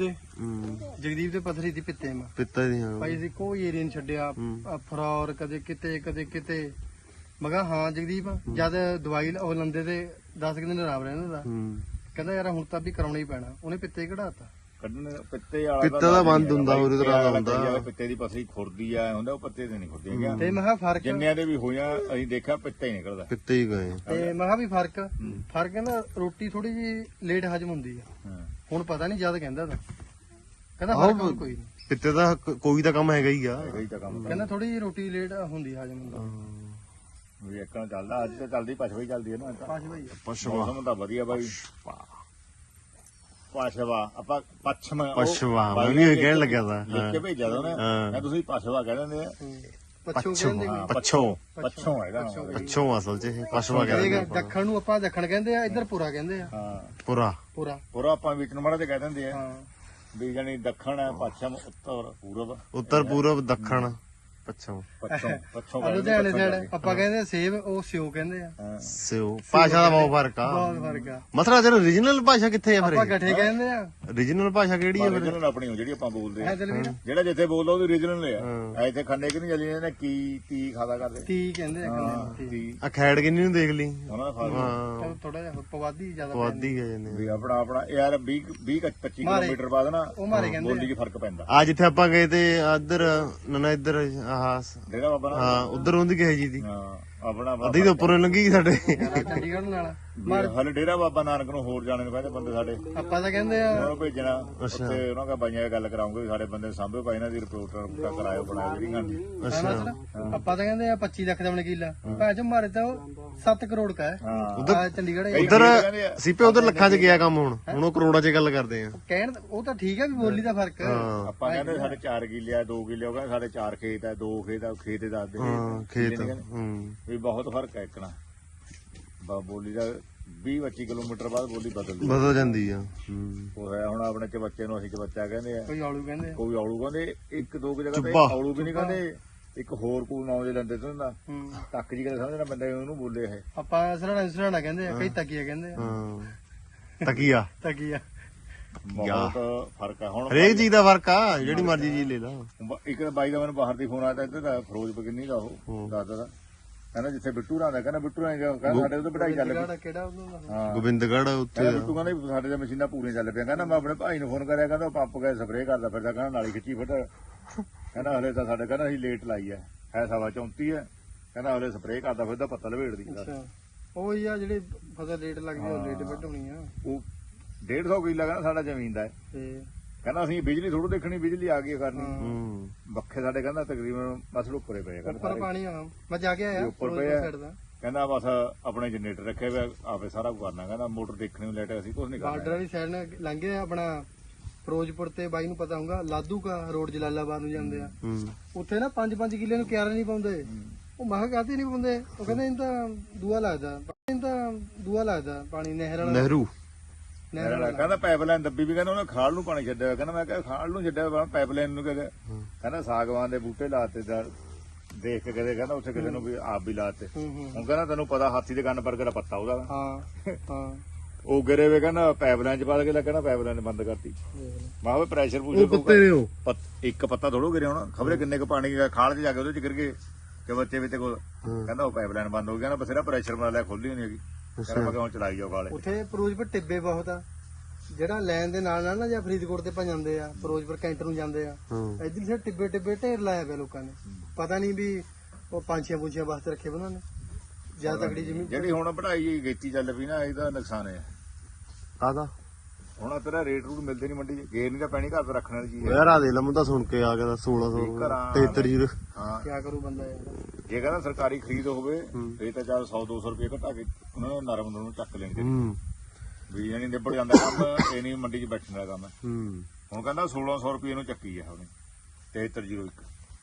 ਦੇ ਪੱਥਰੀ ਦੀ ਪਿੱਤੇ ਮਾ
ਪਿੱਤਾ ਦੀ ਹਾਂ
ਭਾਈ ਸੀ ਕੋਈ ਏਰੀਆ ਨਹੀਂ ਛੱਡਿਆ ਫਰੌਰ ਕਦੇ ਕਿਤੇ ਮਗਾ ਹਾਂ ਜਗਦੀਪ ਜਦ ਦਵਾਈ ਉਹ ਲੰਦੇ ਤੇ 10 ਦਿਨ ਆਰਾਮ ਰਹਿੰਦਾ ਦਾ ਕਹਿੰਦਾ ਯਾਰ ਹੁਣ ਤਾਂ ਵੀ ਕਰਾਉਣਾ ਹੀ ਪੈਣਾ ਉਹਨੇ ਪਿੱਤੇ ਕਢਾਤਾ
ਕੱਢਣ ਪਿੱਤੇ ਵਾਲਾ
ਪਿੱਤਾ ਦਾ ਬੰਦ ਹੁੰਦਾ ਉਹਦੇ ਤਰ੍ਹਾਂ ਦਾ ਹੁੰਦਾ
ਪਿੱਤੇ ਦੀ ਪੱਥਰੀ ਖੁਰਦੀ ਆ ਹੁੰਦਾ ਉਹ ਪੱਤੇ ਤੇ ਨਹੀਂ ਖੁਰਦੀ ਹੈਗਾ
ਤੇ ਮੈਂ ਕਿਹਾ ਫਰਕ
ਜਿੰਨਿਆਂ ਦੇ ਵੀ ਹੋਇਆ ਅਸੀਂ ਦੇਖਿਆ ਪਿੱਤਾ ਹੀ ਨਿਕਲਦਾ
ਪਿੱਤੇ ਹੀ ਗਏ
ਤੇ ਮੈਂ ਕਿਹਾ ਵੀ ਫਰਕ ਕਹਿੰਦਾ ਰੋਟੀ ਥੋੜੀ ਜੀ ਲੇਟ ਹਜਮ ਹੁੰਦੀ ਆ ਹੁਣ ਪਤਾ ਨਹੀਂ ਜਦ ਕਹਿੰਦਾ ਤਾਂ ਕਹਿੰਦਾ ਫਰਕ ਕੋਈ ਨਹੀਂ
ਪਿੱਤੇ ਦਾ ਕੋਈ ਤਾਂ ਕੰਮ ਹੈਗਾ ਹੀ ਆ
ਕਹਿੰਦਾ ਥੋੜੀ ਜੀ ਰੋਟੀ ਲੇਟ ਹੁੰਦੀ ਹਜਮ ਹੁੰਦਾ
ਵੀ ਇੱਕਣ ਚੱਲਦਾ ਅੱਜ ਤਾਂ ਚੱਲਦੀ ਪਛਵਾ ਚੱਲਦੀ ਹੈ ਨਾ
ਪਛਵਾ
ਮੌਸਮ ਤਾਂ ਵਧੀਆ ਬਾਈ ਪਛਵਾ ਆਪਾਂ ਪਛਵਾ
ਮੈਂ ਵੀ ਕਹਿਣ ਲੱਗਿਆ ਤਾਂ
ਲਿਖ ਕੇ ਭੇਜਿਆ ਤਾਂ ਉਹਨੇ ਤੁਸੀਂ ਪਛਵਾ ਕਹਿ ਦਿੰਦੇ ਆ ਪੱਛੋਂ ਹੈਗਾ
ਪੱਛੋਂ ਅਸਲ ਚ ਇਹ ਪਛਵਾ ਕਹਿੰਦੇ
ਦੱਖਣ ਨੂੰ ਆਪਾਂ ਦੱਖਣ ਕਹਿੰਦੇ ਆ ਇੱਧਰ ਪੂਰਾ ਕਹਿੰਦੇ ਆ
ਹਾਂ
ਪੂਰਾ
ਆਪਾਂ ਵਿੱਚ ਨੂੰ ਮਾੜਾ ਤੇ ਕਹਿ ਦਿੰਦੇ ਆ ਵੀ ਜਾਨੀ ਦੱਖਣ ਹੈ ਪੱਛਮ
ਉੱਤਰ ਪੂਰਬ ਦੱਖਣ ਪੱਛੋਂ
ਲੁਧਿਆਣੇ ਸਾਈਡ ਆਪਾਂ ਕਹਿੰਦੇ ਸੇਬ ਉਹ ਸਿਓ ਕਹਿੰਦੇ ਆ
ਸਿਓ ਭਾਸ਼ਾ ਦਾ ਬਹੁਤ ਫਰਕ ਆ ਮਤਲਬ ਜਿਹੜਾ ਰੀਜਨਲ ਭਾਸ਼ਾ ਕਿੱਥੇ ਆ ਫਿਰ
ਆਪਾਂ ਗੱਠੇ ਕਹਿੰਦੇ ਆ
ਰੀਜਨਲ ਭਾਸ਼ਾ ਕਿਹੜੀ ਆ ਫਿਰ
ਰੀਜਨਲ ਆਪਣੀ ਜਿਹੜੀ ਆਪਾਂ ਬੋਲਦੇ ਆ ਜਿਹੜਾ ਜਿੱਥੇ ਬੋਲਦਾ ਉਹਦੀ ਰੀਜਨਲ ਆ ਇੱਥੇ ਖੰਡੇ ਕਿ ਨਹੀਂ ਚੱਲੀ ਇਹਨੇ ਕੀ ਖਾਦਾ ਕਰਦੇ
ਤੀ ਕਹਿੰਦੇ
ਆ ਖੈੜ ਕਿੰਨੀ ਨੂੰ ਦੇਖ ਲਈ
ਉਹਨਾਂ ਦਾ ਫਰਕ
ਥੋੜਾ ਜਿਹਾ ਪਵਾਦੀ ਜ਼ਿਆਦਾ
ਪਵਾਦੀ ਗਏ ਜਾਂਦੇ
ਵੀ ਆਪਣਾ ਯਾਰ 20 25 ਕਿਲੋਮੀਟਰ ਬਾਅਦ ਨਾ ਬੋਲੀ 'ਚ ਫਰਕ ਪੈਂਦਾ
ਆ ਜਿੱਥੇ ਆਪਾਂ ਗਏ ਤੇ ਇੱਧਰ ਨਾ ਇੱਧਰ
ਡੇਰਾ ਬਾਬਾ
ਹਾਂ ਉਧਰ ਹੁੰਦੀ ਕਿਸੇ ਜੀ ਦੀ
ਆਪਣਾ
ਅੱਧੀ ਤੋਂ ਉੱਪਰੋਂ ਲੰਗੀ ਸਾਡੇ
ਚੰਡੀਗੜ੍ਹ ਨਾਲ
ਹਲੇ ਡੇਰਾ ਬਾਬਾ ਨਾਨਕ ਨੂੰ ਹੋਰ ਜਾਣੇ ਨੂੰ ਕਹਿੰਦੇ ਬੰਦੇ ਸਾਡੇ
ਆਪਾਂ ਤਾਂ ਕਹਿੰਦੇ ਆ
ਉਹਨੂੰ ਭੇਜਣਾ ਉੱਥੇ ਉਹਨਾਂ ਦਾ ਬਾਈਆਂ ਗੱਲ ਕਰਾਉਂਗੇ ਸਾਡੇ ਬੰਦੇ ਸਾਂਭੇ ਭਾਈ ਇਹਨਾਂ ਦੀ ਰਿਪੋਰਟ ਕਰਾਇਓ ਬਣਾਇਓ ਜਿਹੜੀ ਗੱਲ
ਆਪਾਂ ਤਾਂ ਕਹਿੰਦੇ ਆ 25 ਲੱਖ ਦਾ ਵਕੀਲਾ ਭਾਜ ਮਾਰੇ ਤਾਂ 7 ਕਰੋੜ ਕਾ ਹੈ
ਉਧਰ
ਚੰਡੀਗੜ੍ਹ
ਉਧਰ ਸੀਪੇ ਉਧਰ ਲੱਖਾਂ ਚ ਗਿਆ ਕੰਮ ਹੁਣ ਉਹ ਕਰੋੜਾਂ ਚ ਗੱਲ ਕਰਦੇ ਆ
ਕਹਿਣ ਉਹ ਤਾਂ ਠੀਕ ਆ ਵੀ ਬੋਲੀ ਦਾ ਫਰਕ
ਆਪਾਂ ਕਹਿੰਦੇ ਸਾਡੇ 4 ਕਿੱਲੇ ਆ 2 ਕਿੱਲੇ ਹੋ ਗਏ ਸਾਡੇ 4 ਖੇਤ ਆ 2 ਖੇਤ ਦੱਸਦੇ
ਖੇਤ
ਵੀ ਬਹੁਤ ਫਰਕ ਹੈ ਇੱਕਣਾ ਬੋਲੀ ਦਾ 20-25 ਕਿਲੋਮੀਟਰ ਬਾਅਦ ਬੋਲੀ
ਬਦਲ ਜਾਂਦੀ ਆ
ਉਹ ਹੈ ਹੁਣ ਆਪਣੇ ਚ ਬੱਚੇ ਨੂੰ ਅਸੀਂ ਚ ਬੱਚਾ ਕਹਿੰਦੇ ਆ
ਕੋਈ ਆਲੂ
ਕਹਿੰਦੇ ਇੱਕ ਦੋ ਜਗ੍ਹਾ ਤੇ ਆਲੂ ਵੀ ਨਹੀਂ ਕਹਿੰਦੇ ਇੱਕ ਹੋਰ ਕੋਈ ਨਾਮ ਦੇ ਲੈਂਦੇ ਤੋਂ ਹੁੰਦਾ ਤੱਕ ਜੀ ਕਦੇ ਸਮਝਣਾ ਬੰਦਾ ਉਹਨੂੰ ਬੋਲੇ ਇਹ
ਆਪਾਂ ਸਰਾਣਾ ਕਹਿੰਦੇ ਆ ਕਈ ਤਕੀਆ ਕਹਿੰਦੇ ਆ
ਤਕੀਆ
ਬਹੁਤ ਫਰਕ ਆ ਹੁਣ
ਹਰੇਕ ਚੀਜ਼ ਦਾ ਫਰਕ ਆ ਜਿਹੜੀ ਮਰਜ਼ੀ ਚੀਜ਼ ਲੈ ਲਾ
ਇੱਕ ਬਾਈ ਦਾ ਮੈਨੂੰ ਬਾਹਰ ਦੀ ਫੋਨ ਆਇਆ ਇੱਧਰ ਦਾ ਫਿਰੋਜ਼ਪੁਰ ਕਿੰਨੀ ਦਾ ਉਹ ਦਾਦਾ ਦਾ ਕਹਿੰਦਾ ਜਿੱਥੇ ਬਿੱਟੂ ਰਾਂ ਦਾ ਕਹਿੰਦਾ ਬਿੱਟੂ ਰਾਂ ਕਹਿੰਦਾ ਸਾਡੇ ਉਹਦੇ ਪੜਾਈ ਚੱਲ ਪਈ
ਕਿਹੜਾ
ਗੋਬਿੰਦਗੜ੍ਹ ਉੱਥੇ
ਬਿੱਟੂ ਕਹਿੰਦਾ ਸਾਡੇ ਤੇ ਮਸ਼ੀਨਾਂ ਪੂਰੀਆਂ ਚੱਲ ਪਿਆ ਕਹਿੰਦਾ ਮੈਂ ਆਪਣੇ ਭਾਈ ਨੂੰ ਫੋਨ ਕਰਿਆ ਕਹਿੰਦਾ ਪੰਪ ਗਏ ਸਪਰੇਅ ਕਰਦਾ ਫਿਰਦਾ ਕਹਿੰਦਾ ਨਾਲੀ ਖਿੱਚੀ ਫਿਰਦਾ ਕਹਿੰਦਾ ਹਲੇ ਤਾਂ ਸਾਡੇ ਕਹਿੰਦਾ ਅਸੀਂ ਲੇਟ ਲਾਈ ਹੈ 34:30 ਹੈ ਕਹਿੰਦਾ ਹਲੇ ਸਪਰੇਅ ਕਰਦਾ ਫਿਰਦਾ ਪੱਤਾ ਲਵੇੜਦੀ
ਉਹ ਹੀ ਆ ਜਿਹੜੀ ਫਸਲ ਲੇਟ ਲੱਗਦੀ ਉਹ ਲੇਟ ਵੱਢਣੀ ਆ
ਉਹ 150 ਕਿੱਲਾ ਕਹਿੰਦਾ ਸਾਡਾ ਜ਼ਮੀਨ ਦਾ ਕਹਿੰਦਾ ਅਸੀਂ ਬਿਜਲੀ ਥੋੜੂ ਦੇਖਣੀ ਬਿਜਲੀ ਆ ਗਈ ਕਰਨੀ ਬੱਖੇ ਸਾਡੇ ਕਹਿੰਦਾ ਤਕਰੀਬਨ ਬਸ ਉੱਪਰੇ ਪਏ
ਉੱਪਰ ਪਾਣੀ ਆ ਮੈਂ ਜਾ ਕੇ ਆਇਆ
ਉੱਪਰ ਪਏ ਕਹਿੰਦਾ ਬਸ ਆਪਣੇ ਜਨਰੇਟਰ ਰੱਖੇ ਹੋਏ ਆਪੇ ਸਾਰਾ ਕੁਝ ਕਰਨਾ ਕਹਿੰਦਾ ਮੋਟਰ ਦੇਖਣੀ ਨੂੰ ਲੈਟ ਅਸੀਂ ਕੁਝ ਨਹੀਂ ਕਰਨਾ
ਬਾਰਡਰ ਵਾਲੀ ਸਾਈਡ ਨਾਲ ਲੰਘੇ ਆਪਣਾ ਫਿਰੋਜ਼ਪੁਰ ਤੇ ਬਾਈ ਨੂੰ ਪਤਾ ਹੋਊਗਾ ਲਾਧੂ ਕਾ ਰੋਡ ਜਲਾਲਾਬਾਦ ਨੂੰ ਜਾਂਦੇ ਆ ਉੱਥੇ ਨਾ 5-5 ਕਿੱਲੇ ਨੂੰ ਕਿਆਰਾ ਨਹੀਂ ਪਾਉਂਦੇ ਉਹ ਮਹਾਂ ਕਾਹਤੇ ਨਹੀਂ ਪਾਉਂਦੇ, ਉਹ ਕਹਿੰਦੇ ਇਹ ਤਾਂ ਦੂਆ ਲੱਗਦਾ ਪਾਣੀ ਨਹਿਰ ਵਾਲਾ
ਨਹਿਰੂ
ਕਹਿੰਦਾ ਪਾਈਪਲਾਈਨ ਦੱਬੀ ਵੀ ਕਹਿੰਦਾ ਉਹਨੇ ਖਾਲ ਨੂੰ ਪਾਣੀ ਛੱਡਿਆ ਹੋਇਆ। ਕਹਿੰਦਾ ਮੈਂ ਕਿਹਾ ਖਾਲ ਨੂੰ ਛੱਡਿਆ ਪਾਈਪਲਾਈਨ ਨੂੰ ਕਹਿੰਦਾ ਕਹਿੰਦਾ ਸਾਗਵਾਨ ਦੇ ਬੂਟੇ ਲਾਤੇ ਦੇਖ ਕੇ ਕਹਿੰਦਾ ਉੱਥੇ ਕਿਸੇ ਨੂੰ ਵੀ ਆਪ ਵੀ ਲਾਤੇ। ਹੁਣ ਕਹਿੰਦਾ ਤੈਨੂੰ ਪਤਾ ਹਾਥੀ ਦੇ ਕੰਨ ਪਰ ਕਿਹੜਾ ਪੱਤਾ ਉਹਦਾ
ਹਾਂ
ਉਹ ਗਿਰੇ ਵੇ ਕਹਿੰਦਾ ਪਾਈਪਲਾਈਨ ਚ ਪਾ ਕੇ ਕਹਿੰਦਾ ਪਾਈਪਲਾਈਨ ਬੰਦ ਕਰਤੀ। ਮੈਂ ਕਿਹਾ ਪ੍ਰੈਸ਼ਰ
ਉਹ ਪੱਤੇ ਨੇ ਉਹ
ਇੱਕ ਪੱਤਾ ਥੋੜੋ ਗਿਰਿਆ ਹੋਣਾ, ਖਬਰੇ ਕਿੰਨੇ ਕੁ ਪਾਣੀ ਖਾਲ ਚ ਜਾ ਕੇ ਉਹਦੇ ਚ ਗਿਰ ਗਏ ਕਿ ਬੱਚੇ ਵੀ ਤੇ ਕੋਲ ਕਹਿੰਦਾ ਉਹ ਪਾਈਪਲਾਈਨ ਬੰਦ ਹੋ ਗਿਆ ਨਾ, ਬਥੇਰਾ ਪ੍ਰੈਸ਼ਰ ਬਣਾ ਲਿਆ, ਖੋਲੀ ਨਹੀਂ ਹੈਗੀ। ਕਹਿੰਦਾ ਮੈਂ ਕਿਹਾ ਹੁਣ ਚਲਾਈ ਜਾਓ ਖਾਲੇ।
ਉੱਥੇ ਫਿਰੋਜ਼ਪੁਰ ਟਿੱਬੇ ਬਹੁਤ ਆ, ਜਿਹੜਾ ਲੈਣ ਦੇ ਨਾਲ ਨਾ ਜਾਂ ਫਰੀਦਕੋਟ ਤੇ ਭਾ ਜਾਂਦੇ ਆ, ਫਿਰੋਜ਼ਪੁਰ ਕੈਂਟਰ ਨੂੰ ਜਾਂਦੇ ਆ, ਇੱਧਰ ਸੇ ਟਿੱਬੇ ਢੇਰ ਲਾਇਆ ਪਿਆ ਲੋਕਾਂ ਨੇ। ਪਤਾ ਨਹੀਂ ਵੀ ਉਹ ਪੰਛੀਆਂ ਪੁੰਛੀਆਂ ਵਾਸਤੇ ਰੱਖੇ ਉਹਨਾਂ ਨੇ ਜਿਆਦਾ ਤਕੜੀ ਜ਼ਮੀਨ।
ਜਿਹੜੀ ਹੁਣ ਪੜਾਈ ਗੇਤੀ ਚੱਲ ਪਈ ਨਾ, ਇਹਦਾ ਨੁਕਸਾਨ ਹੈ।
ਕਾਹਦਾ
ਹੁਣ ਤੇਰਾ ਰੇਟ ਰੂਟ ਮਿਲਦੇ ਨਹੀਂ ਮੰਡੀ 'ਚ, ਗੇਰ ਨਹੀਂ ਤਾਂ ਪੈਣੀ ਘਰ ਤੇ ਰੱਖਣ ਵਾਲੀ ਚੀਜ਼
ਯਾਰ ਆ ਦੇ ਲਮ ਤਾਂ ਸੁਣ ਕੇ ਆ ਗਿਆ 1673
ਹਾਂ
ਕੀ ਕਰੂ ਬੰਦਾ ਯਾਰ।
ਜੇ ਕਹਿੰਦਾ ਸਰਕਾਰੀ ਖਰੀਦ ਹੋਵੇ ਫੇਰ ਤਾਂ ਚੱਲ 100-200 ਰੁਪਏ ਘਟਾ ਕੇ ਉਹਨਾਂ ਨੂੰ ਨਰਮ ਨੂੰ ਚੱਕ ਲੈਣਗੇ ਵੀ ਜਾਨੀ ਨਿਬੜ ਜਾਂਦਾ ਕੰਮ। ਇਹ ਨਹੀਂ ਮੰਡੀ 'ਚ ਬੈਠਣ ਦਾ ਕੰਮ। ਹੁਣ ਕਹਿੰਦਾ 1600 ਰੁਪਏ ਨੂੰ ਚੱਕੀ ਆ ਉਹਨੇ 7301।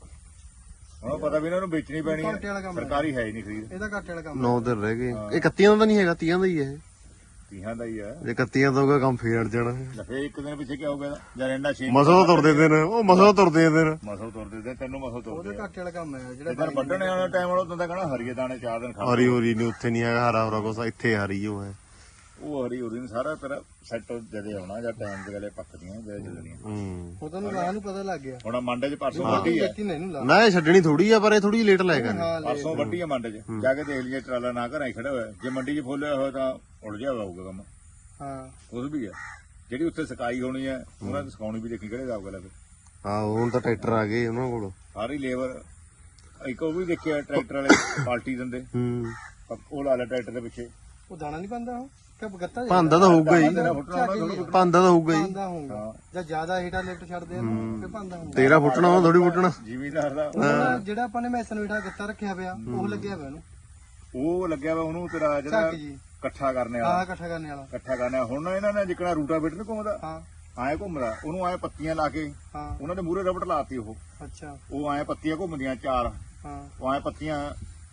ਹੁਣ ਪਤਾ ਵੀ ਇਹਨਾਂ ਨੂੰ ਵੇਚਣੀ ਪੈਣੀ ਹੈ, ਸਰਕਾਰੀ ਹੈ ਹੀ ਨਹੀਂ ਖਰੀਦ।
ਇਹਦਾ ਘਾਟੇ ਵਾਲਾ ਕੰਮ
9 ਦਿਨ ਰਹਿ ਗਏ। ਇਹ 31 ਦਾ ਨਹੀਂ ਹੈਗਾ, 30 ਦਾ ਹੀ ਹੈ।
30 ਦਾ ਹੀ ਹੈ।
ਜੇ 31 ਦਾ ਹੋਗਾ ਕੰਮ ਫੇਰ ਅੜ ਜਾਣਾ।
ਫੇਰ ਇੱਕ ਦਿਨ ਪਿੱਛੇ ਕੀ ਹੋ ਗਿਆ ਜਾਂ ਇੰਨਾ 6
ਮਸਾ ਤੁਰਦੇ ਦਿਨ, ਉਹ ਮਸਾ ਤੁਰਦੇ ਦਿਨ,
ਮਸਾ ਤੁਰਦੇ ਦਿਨ, ਤੈਨੂੰ ਮਸਾ ਤੁਰਦੇ।
ਉਹਦੇ ਘਾਟੇ ਵਾਲਾ ਕੰਮ ਹੈ ਜਿਹੜਾ
ਜਦੋਂ ਵੱਢਣੇ ਵਾਲਾ ਟਾਈਮ ਵਾਲਾ ਉਦੋਂ ਤਾਂ ਕਹਣਾ ਹਰੀਏ ਦਾਣੇ 4 ਦਿਨ ਖਾ
ਹਰੀ ਹੋਰੀ ਨਹੀਂ ਉੱਥੇ ਨਹੀਂ ਹੈਗਾ, ਹਰਾ ਹਰਾ ਕੁਛ ਇੱਥੇ ਹਰੀ ਉਹ ਹੈ।
ਉਹ ਹਰੀ ਹੋਰੀ ਸਾਰਾ ਤੇਰਾ ਸੈੱਟ ਜਦੇ ਆਉਣਾ ਜਾਂ ਟਾਈਮ ਦੇ ਗਲੇ ਪੱਕਦੀਆਂ ਜਦੇ ਚੱਲਣੀਆਂ।
ਉਹ ਤੁਹਾਨੂੰ ਰਾਹ ਨੂੰ ਪਤਾ ਲੱਗ ਗਿਆ।
ਹੁਣ ਮੰਡੇ 'ਚ ਪਰਸੋਂ ਵੱਢੀ ਹੈ
ਨਾ, ਇਹ ਛੱਡਣੀ ਥੋੜੀ ਆ, ਪਰ ਇਹ ਥੋੜੀ ਲੇਟ ਲਾਏਗਾ।
ਪਰਸੋਂ ਵੱਢੀ ਹੈ ਮੰਡੇ 'ਚ, ਜਾ ਕੇ ਦੇਖ ਲਈਏ ਟਰਾਲਾ ਨਾ ਘਰਾਂ ਹੀ ਖੜਾ ਹੋਇਆ। ਜੇ ਮੰਡੀ 'ਚ ਫੋਲਿਆ ਹੋਇਆ ਤਾਂ ਉਲਝਿਆ ਹੋਊਗਾ ਕੰਮ।
ਹਾਂ
ਉਸ ਵੀ ਹੈ ਜਿਹੜੀ ਉੱਥੇ ਸਕਾਈ ਹੋਣੀ ਹੈ, ਉਹਨਾਂ ਦੀ ਸਕਾਉਣੀ ਵੀ ਦੇਖੀ ਕਿਹੜੇ ਹਿਸਾਬ ਗੱਲ ਹੈ।
ਹਾਂ ਹੁਣ ਤਾਂ ਟਰੈਕਟਰ ਆ ਗਏ ਉਹਨਾਂ ਕੋਲ,
ਸਾਰੀ ਲੇਬਰ। ਇੱਕ ਉਹ ਵੀ ਦੇਖਿਆ ਟਰੈਕਟਰ ਵਾਲੇ ਪਾਲਟੀ ਦਿੰਦੇ, ਉਹ ਲਾ ਲਿਆ ਟਰੈਕਟਰ ਦੇ ਪਿੱਛੇ।
ਉਹ ਦਾਣਾ ਨਹੀਂ ਪਾਉਂਦਾ, ਉਹ ਕਿ ਗੱਤਾ
ਪਾਂਦਾ ਤਾਂ ਹੋਊਗਾ ਹੀ, ਪਾਂਦਾ ਤਾਂ ਹੋਊਗਾ ਹੀ।
ਪਾਂਦਾ ਹੋਊਗਾ ਜਾਂ ਜ਼ਿਆਦਾ ਹੀਟਾ ਲਿਫਟ ਛੱਡਦੇ ਆ ਫਿਰ ਪਾਂਦਾ ਹੋਊਗਾ।
ਤੇਰਾ ਫੁੱਟਣਾ ਉਹ ਥੋੜੀ ਫੁੱਟਣਾ।
ਜ਼ਿਮੀਦਾਰ ਦਾ
ਜਿਹੜਾ ਆਪਾਂ ਨੇ ਮੈਸਨ ਹੀਟਾ ਗੱਤਾ ਰੱਖਿਆ ਪਿਆ ਉਹ ਲੱਗਿਆ ਪਿਆ ਉਹਨੂੰ,
ਉਹ ਲੱਗਿਆ ਵਾ ਉਹਨੂੰ ਤੇਰਾ ਜਿਹੜਾ ਇਕੱਠਾ ਕਰਨੇ ਵਾਲਾ।
ਹਾਂ ਇਕੱਠਾ ਕਰਨੇ ਵਾਲਾ,
ਇਕੱਠਾ ਕਰਨੇ। ਹੁਣ ਇਹਨਾਂ ਨੇ ਜਿਕਣਾ ਰੂਟਾ ਬੀਟਰ ਨੀ ਘੁੰਮਦਾ,
ਹਾਂ
ਆਏ ਘੁੰਮਦਾ, ਉਹਨੂੰ ਆਏ ਪੱਤੀਆਂ ਲਾ ਕੇ
ਹਾਂ
ਉਹਨਾਂ ਦੇ ਮੂਹਰੇ ਰਬੜ ਲਾਤੀ। ਉਹ
ਅੱਛਾ
ਉਹ ਆਏ ਪੱਤੀਆਂ ਘੁੰਮਦੀਆਂ 4,
ਹਾਂ
ਉਹ ਆਏ ਪੱਤੀਆਂ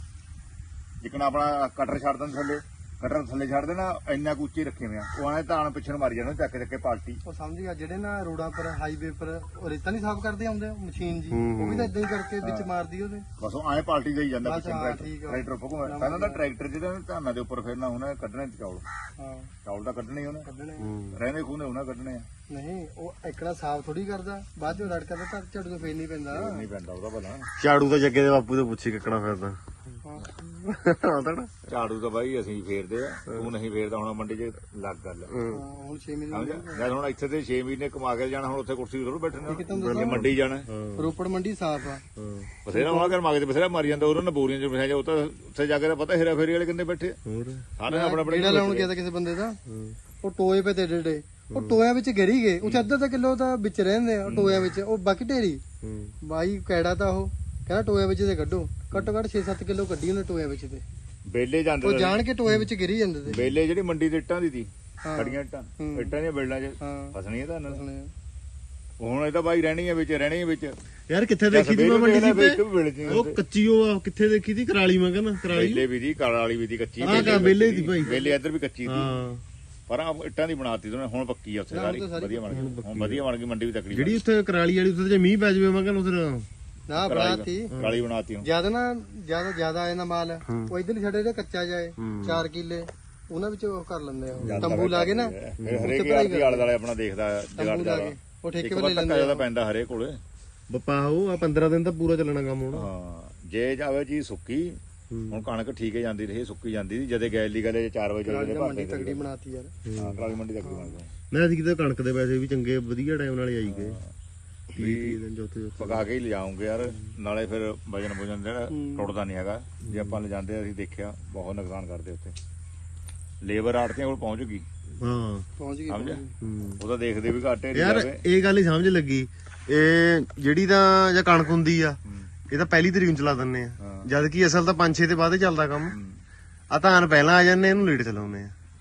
ਜਿਕਣਾ ਆਪਣਾ ਕਟਰ ਛੱਡ ਦਿੰਦੇ ਥੱਲੇ, ਕਟਰ ਥੱਲੇ ਛੱਡ ਦੇਣਾ, ਇੰਨਾ ਕੁ ਉੱਚੇ ਰੱਖੇ ਹੋਏ ਆ। ਉਹ ਆਏ ਧਾਨ ਪਿੱਛੇ ਨੂੰ ਮਾਰੀ ਜਾਣਾ ਚੱਕ ਚੱਕ ਕੇ ਪਾਲਟੀ।
ਉਹ ਸਮਝ ਗਿਆ, ਜਿਹੜੇ ਨਾ ਰੋਡਾਂ ਪਰ ਹਾਈਵੇ ਪਰ ਉਹ ਰੇਤਾ ਨਹੀਂ ਸਾਫ਼ ਕਰਦੇ ਆਉਂਦੇ ਮਸ਼ੀਨ ਜੀ, ਉਹ ਵੀ ਤਾਂ ਇਦਾਂ ਹੀ ਕਰਕੇ ਵਿੱਚ ਮਾਰਦੀ ਉਹਦੇ।
ਬਸ ਉਹ ਆਏ ਪਾਲਟੀ ਜਾਈ ਜਾਂਦਾ
ਬਸ,
ਪਿੱਛੇ
ਹਾਂ, ਠੀਕ ਆ।
ਟਰੈਕਟਰ ਘੁੰਮਦਾ। ਪਹਿਲਾਂ ਤਾਂ ਟਰੈਕਟਰ ਜਿਹੜਾ ਧਾਨਾਂ ਦੇ ਉੱਪਰ ਫਿਰਨਾ ਉਹਨੇ ਕੱਢਣੇ ਚੌਲ,
ਹਾਂ
ਚੌਲ ਤਾਂ ਕੱਢਣੇ ਹੀ ਉਹਨੇ,
ਕੱਢਣੇ
ਰਹਿੰਦੇ ਖੂਨੇ ਉਹਨਾਂ ਕੱਢਣੇ ਆ।
ਨਹੀਂ ਉਹ ਇਕੜਾ ਸਾਫ਼ ਥੋੜੀ ਕਰਦਾ, ਬਾਅਦ ਚੋਂ ਰੜਕਾ ਤਾਂ ਝਾੜੂ ਤੋਂ ਫੇਰ ਨਹੀਂ ਪੈਂਦਾ।
ਨਹੀਂ ਪੈਂਦਾ ਉਹਦਾ ਭਲਾ।
ਝਾੜੂ ਤਾਂ ਜੱਗੇ ਦੇ ਬਾਪੂ ਤੋਂ ਪੁੱਛੀ ਕਿੱਕਣਾ ਫਿਰਦਾ।
ਝਾੜੂ ਤਾਂ ਬਾਈ ਅਸੀਂ ਫੇਰਦੇ ਆ, ਤੂੰ ਨਹੀਂ ਫੇਰਦਾ। ਹੁਣ ਮੰਡੀ 'ਚ ਲੱਗ ਗੱਲ
ਹੁਣ 6 ਮਹੀਨੇ
ਜਦ ਹੁਣ ਇੱਥੇ ਤੇ 6 ਮਹੀਨੇ ਕਮਾ ਕੇ ਜਾਣਾ, ਹੁਣ ਉੱਥੇ ਕੁਰਸੀ ਥੋੜ੍ਹਾ ਬੈਠਣਾ, ਜੇ ਮੰਡੀ ਜਾਣਾ।
ਰੋਪੜ ਮੰਡੀ ਸਾਫ਼ ਆ,
ਬਥੇਰਾ ਹੋਣਾ ਕਰ ਮਾਗੇ ਤੇ ਬਥੇਰਾ ਮਾਰੀ ਜਾਂਦਾ ਉਹਨਾਂ ਨੇ ਬੋਰੀਆਂ 'ਚ ਬਿਠਾਇਆ। ਉਹ ਤਾਂ ਉੱਥੇ ਜਾ ਕੇ ਤਾਂ ਪਤਾ ਹੇਰਾ ਫੇਰੀ ਵਾਲੇ ਕਿੰਨੇ ਬੈਠੇ ਸਾਰੇ ਆਪਣਾ ਆਪਣਾ
ਜਿਹੜਾ ਲਾਉਣ ਗਿਆ ਤਾਂ ਕਿਸੇ ਬੰਦੇ ਦਾ, ਉਹ ਟੋਏ ਪੇ ਤੇ ਡੇ ਉਹ ਟੋਇਆਂ ਵਿੱਚ ਗਿਰੀ ਗਏ। ਉੱਥੇ ਅੱਧਾ ਤਾਂ ਕਿਲੋ ਤਾਂ ਵਿੱਚ ਰਹਿੰਦੇ ਆ ਟੋਇਆਂ ਵਿੱਚ, ਉਹ ਬਾਕੀ ਢੇਰੀ ਬਾਈ ਕੈੜਾ ਤਾਂ ਉਹ ਕਹਿੰਦਾ ਟੋਇਆਂ ਵਿੱਚ ਤੇ ਕੱਢੋ, ਘੱਟੋ ਘੱਟ 6-7 ਕਿਲੋ ਕੱਢੀ ਉਹਨੇ ਟੋਇਆਂ ਵਿੱਚ ਤੇ।
ਬੇਲੇ ਜਾਂਦੇ
ਉਹ ਜਾਣ ਕੇ ਟੋਏ ਵਿੱਚ ਗਿਰੀ ਜਾਂਦੇ ਤੇ।
ਬੇਲੇ ਜਿਹੜੀ ਮੰਡੀ ਦੇ ਇੱਟਾਂ ਦੀ ਸੀ, ਖੜੀਆਂ ਇੱਟਾਂ ਦੀਆਂ ਬੇਲਾਂ 'ਚ ਫਸਣੀਆਂ ਤਾਂ ਹੁਣ ਇਹ ਤਾਂ ਬਾਈ ਰਹਿਣੀ ਹੈ ਵਿੱਚ, ਰਹਿਣੀ ਹੈ ਵਿੱਚ।
ਯਾਰ ਕਿੱਥੇ ਦੇਖੀ ਤੀ ਮੈਂ ਮੰਡੀ
ਸੀ
ਉਹ ਕੱਚੀ, ਉਹ ਕਿੱਥੇ ਦੇਖੀ ਤੀ? ਕਰਾਲੀ ਮੈਂ ਕਹਿੰਦਾ ਕਰਾਲੀ
ਬੇਲੇ ਵੀ ਦੀ, ਕਾਲੀ ਵੀ ਦੀ, ਕੱਚੀ
ਬੇਲੇ ਦੀ ਭਾਈ,
ਬੇਲੇ ਇੱਧਰ ਵੀ ਕੱਚੀ ਸੀ, ਪਰ ਆ ਇੱਟਾਂ ਦੀ ਬਣਾਤੀ ਉਹਨੇ। ਹੁਣ ਪੱਕੀ ਆ ਉੱਥੇ ਸਾਰੀ, ਵਧੀਆ ਬਣ ਗਈ, ਹੁਣ ਵਧੀਆ ਬਣ ਗਈ ਮੰਡੀ ਵੀ ਤਕੜੀ।
ਜਿਹੜੀ ਉੱਥੇ ਕਰਾਲੀ ਵਾਲੀ ਉੱਥੇ ਜੇ ਮੀਂਹ ਪੈ ਜਾਵੇ ਮੈਂ ਕਹਿੰਦਾ ਉਧਰ
ਨਾ ਬਣਾਤੀ
ਕਾਲੀ ਬਣਾਤੀ ਹੁਣ।
ਜਿਆਦਾ ਨਾ ਜਿਆਦਾ ਆ ਜਾਂਦਾ ਮਾਲ, ਉਹ ਇਧਰ ਛੱਡੇ ਤੇ ਕੱਚਾ ਜਾਏ 4 ਕਿੱਲੇ ਉਹਨਾਂ ਵਿੱਚ ਉਹ ਕਰ ਲੈਂਦੇ ਆ, ਤੰਬੂ ਲਾ ਕੇ ਨਾ।
ਹਰੇਕ ਯਾਰ ਦੀ ਆਲੇ ਦੁਆਲੇ ਆਪਣਾ ਦੇਖਦਾ ਜਗਾੜਦਾ,
ਉਹ ਠੇਕੇ ਵਾਲੇ ਲੈਂਦੇ
ਜਿਆਦਾ ਪੈਂਦਾ ਹਰੇਕ ਕੋਲੇ।
ਬੱਪਾ ਉਹ 15 ਦਿਨ ਤਾਂ ਪੂਰਾ ਚੱਲਣਾ ਕੰਮ ਹੁਣ।
ਹਾਂ ਜੇ ਜਾਵੇ ਜੀ ਸੁੱਕੀ, ਹੁਣ ਕਣਕ ਠੀਕ ਹੈ ਜਾਂਦੀ ਰਹੀ, ਸੁੱਕੀ ਜਾਂਦੀ ਸੀ ਜਦੇ ਗੈਲ ਦੀ ਗੱਲ 4 ਵਜੇ
ਮੰਡੀ ਤਕੜੀ ਬਣਾਤੀ ਯਾਰ।
ਹਾਂ ਕਰਾਲੀ ਮੰਡੀ ਤਕੜੀ ਬਣ ਗਈ।
ਮੈਂ ਅਸੀਂ ਕਿਤੇ ਕਣਕ ਦੇ ਪੈਸੇ ਵੀ ਚੰਗੇ ਵਧੀਆ ਟਾਈਮ ਨਾਲ ਆਈ ਗਏ, 20 ਦਿਨ ਚੌਥੇ
ਪਕਾ ਕੇ ਹੀ ਲਿਜਾਉਂਗੇ ਯਾਰ, ਨਾਲੇ ਫਿਰ ਵਜਨ ਵਜਨ ਜਿਹੜਾ ਟੁੱਟਦਾ ਨਹੀਂ ਹੈਗਾ। ਜੇ ਆਪਾਂ ਲਿਜਾਂਦੇ ਅਸੀਂ ਦੇਖਿਆ ਬਹੁਤ ਨੁਕਸਾਨ ਕਰਦੇ ਉੱਥੇ। ਲੇਬਰ ਆੜਤੀਆਂ ਕੋਲ ਪਹੁੰਚ ਗਈ,
ਹਾਂ
ਪਹੁੰਚ ਗਈ
ਸਮਝਿਆ? ਉਹ ਤਾਂ ਦੇਖਦੇ ਵੀ ਘਾਟੇ
ਯਾਰ। ਇਹ ਗੱਲ ਹੀ ਸਮਝ ਲੱਗੀ, ਇਹ ਜਿਹੜੀ ਤਾਂ ਜਾਂ ਕਣਕ ਹੁੰਦੀ ਆ ਇਹ ਤਾਂ ਪਹਿਲੀ ਤਰੀਕ ਨੂੰ ਚਲਾ ਦਿੰਨੇ ਆ, ਜਦ ਕਿ ਅਸਲ ਤਾਂ 5-6 ਤੇ ਬਾਅਦ ਹੀ ਚੱਲਦਾ ਕੰਮ। ਆ ਧਾਨ ਪਹਿਲਾਂ ਆ ਜਾਂਦੇ, ਇਹਨੂੰ ਲੇਟ ਚਲਾਉਂਦੇ ਆ।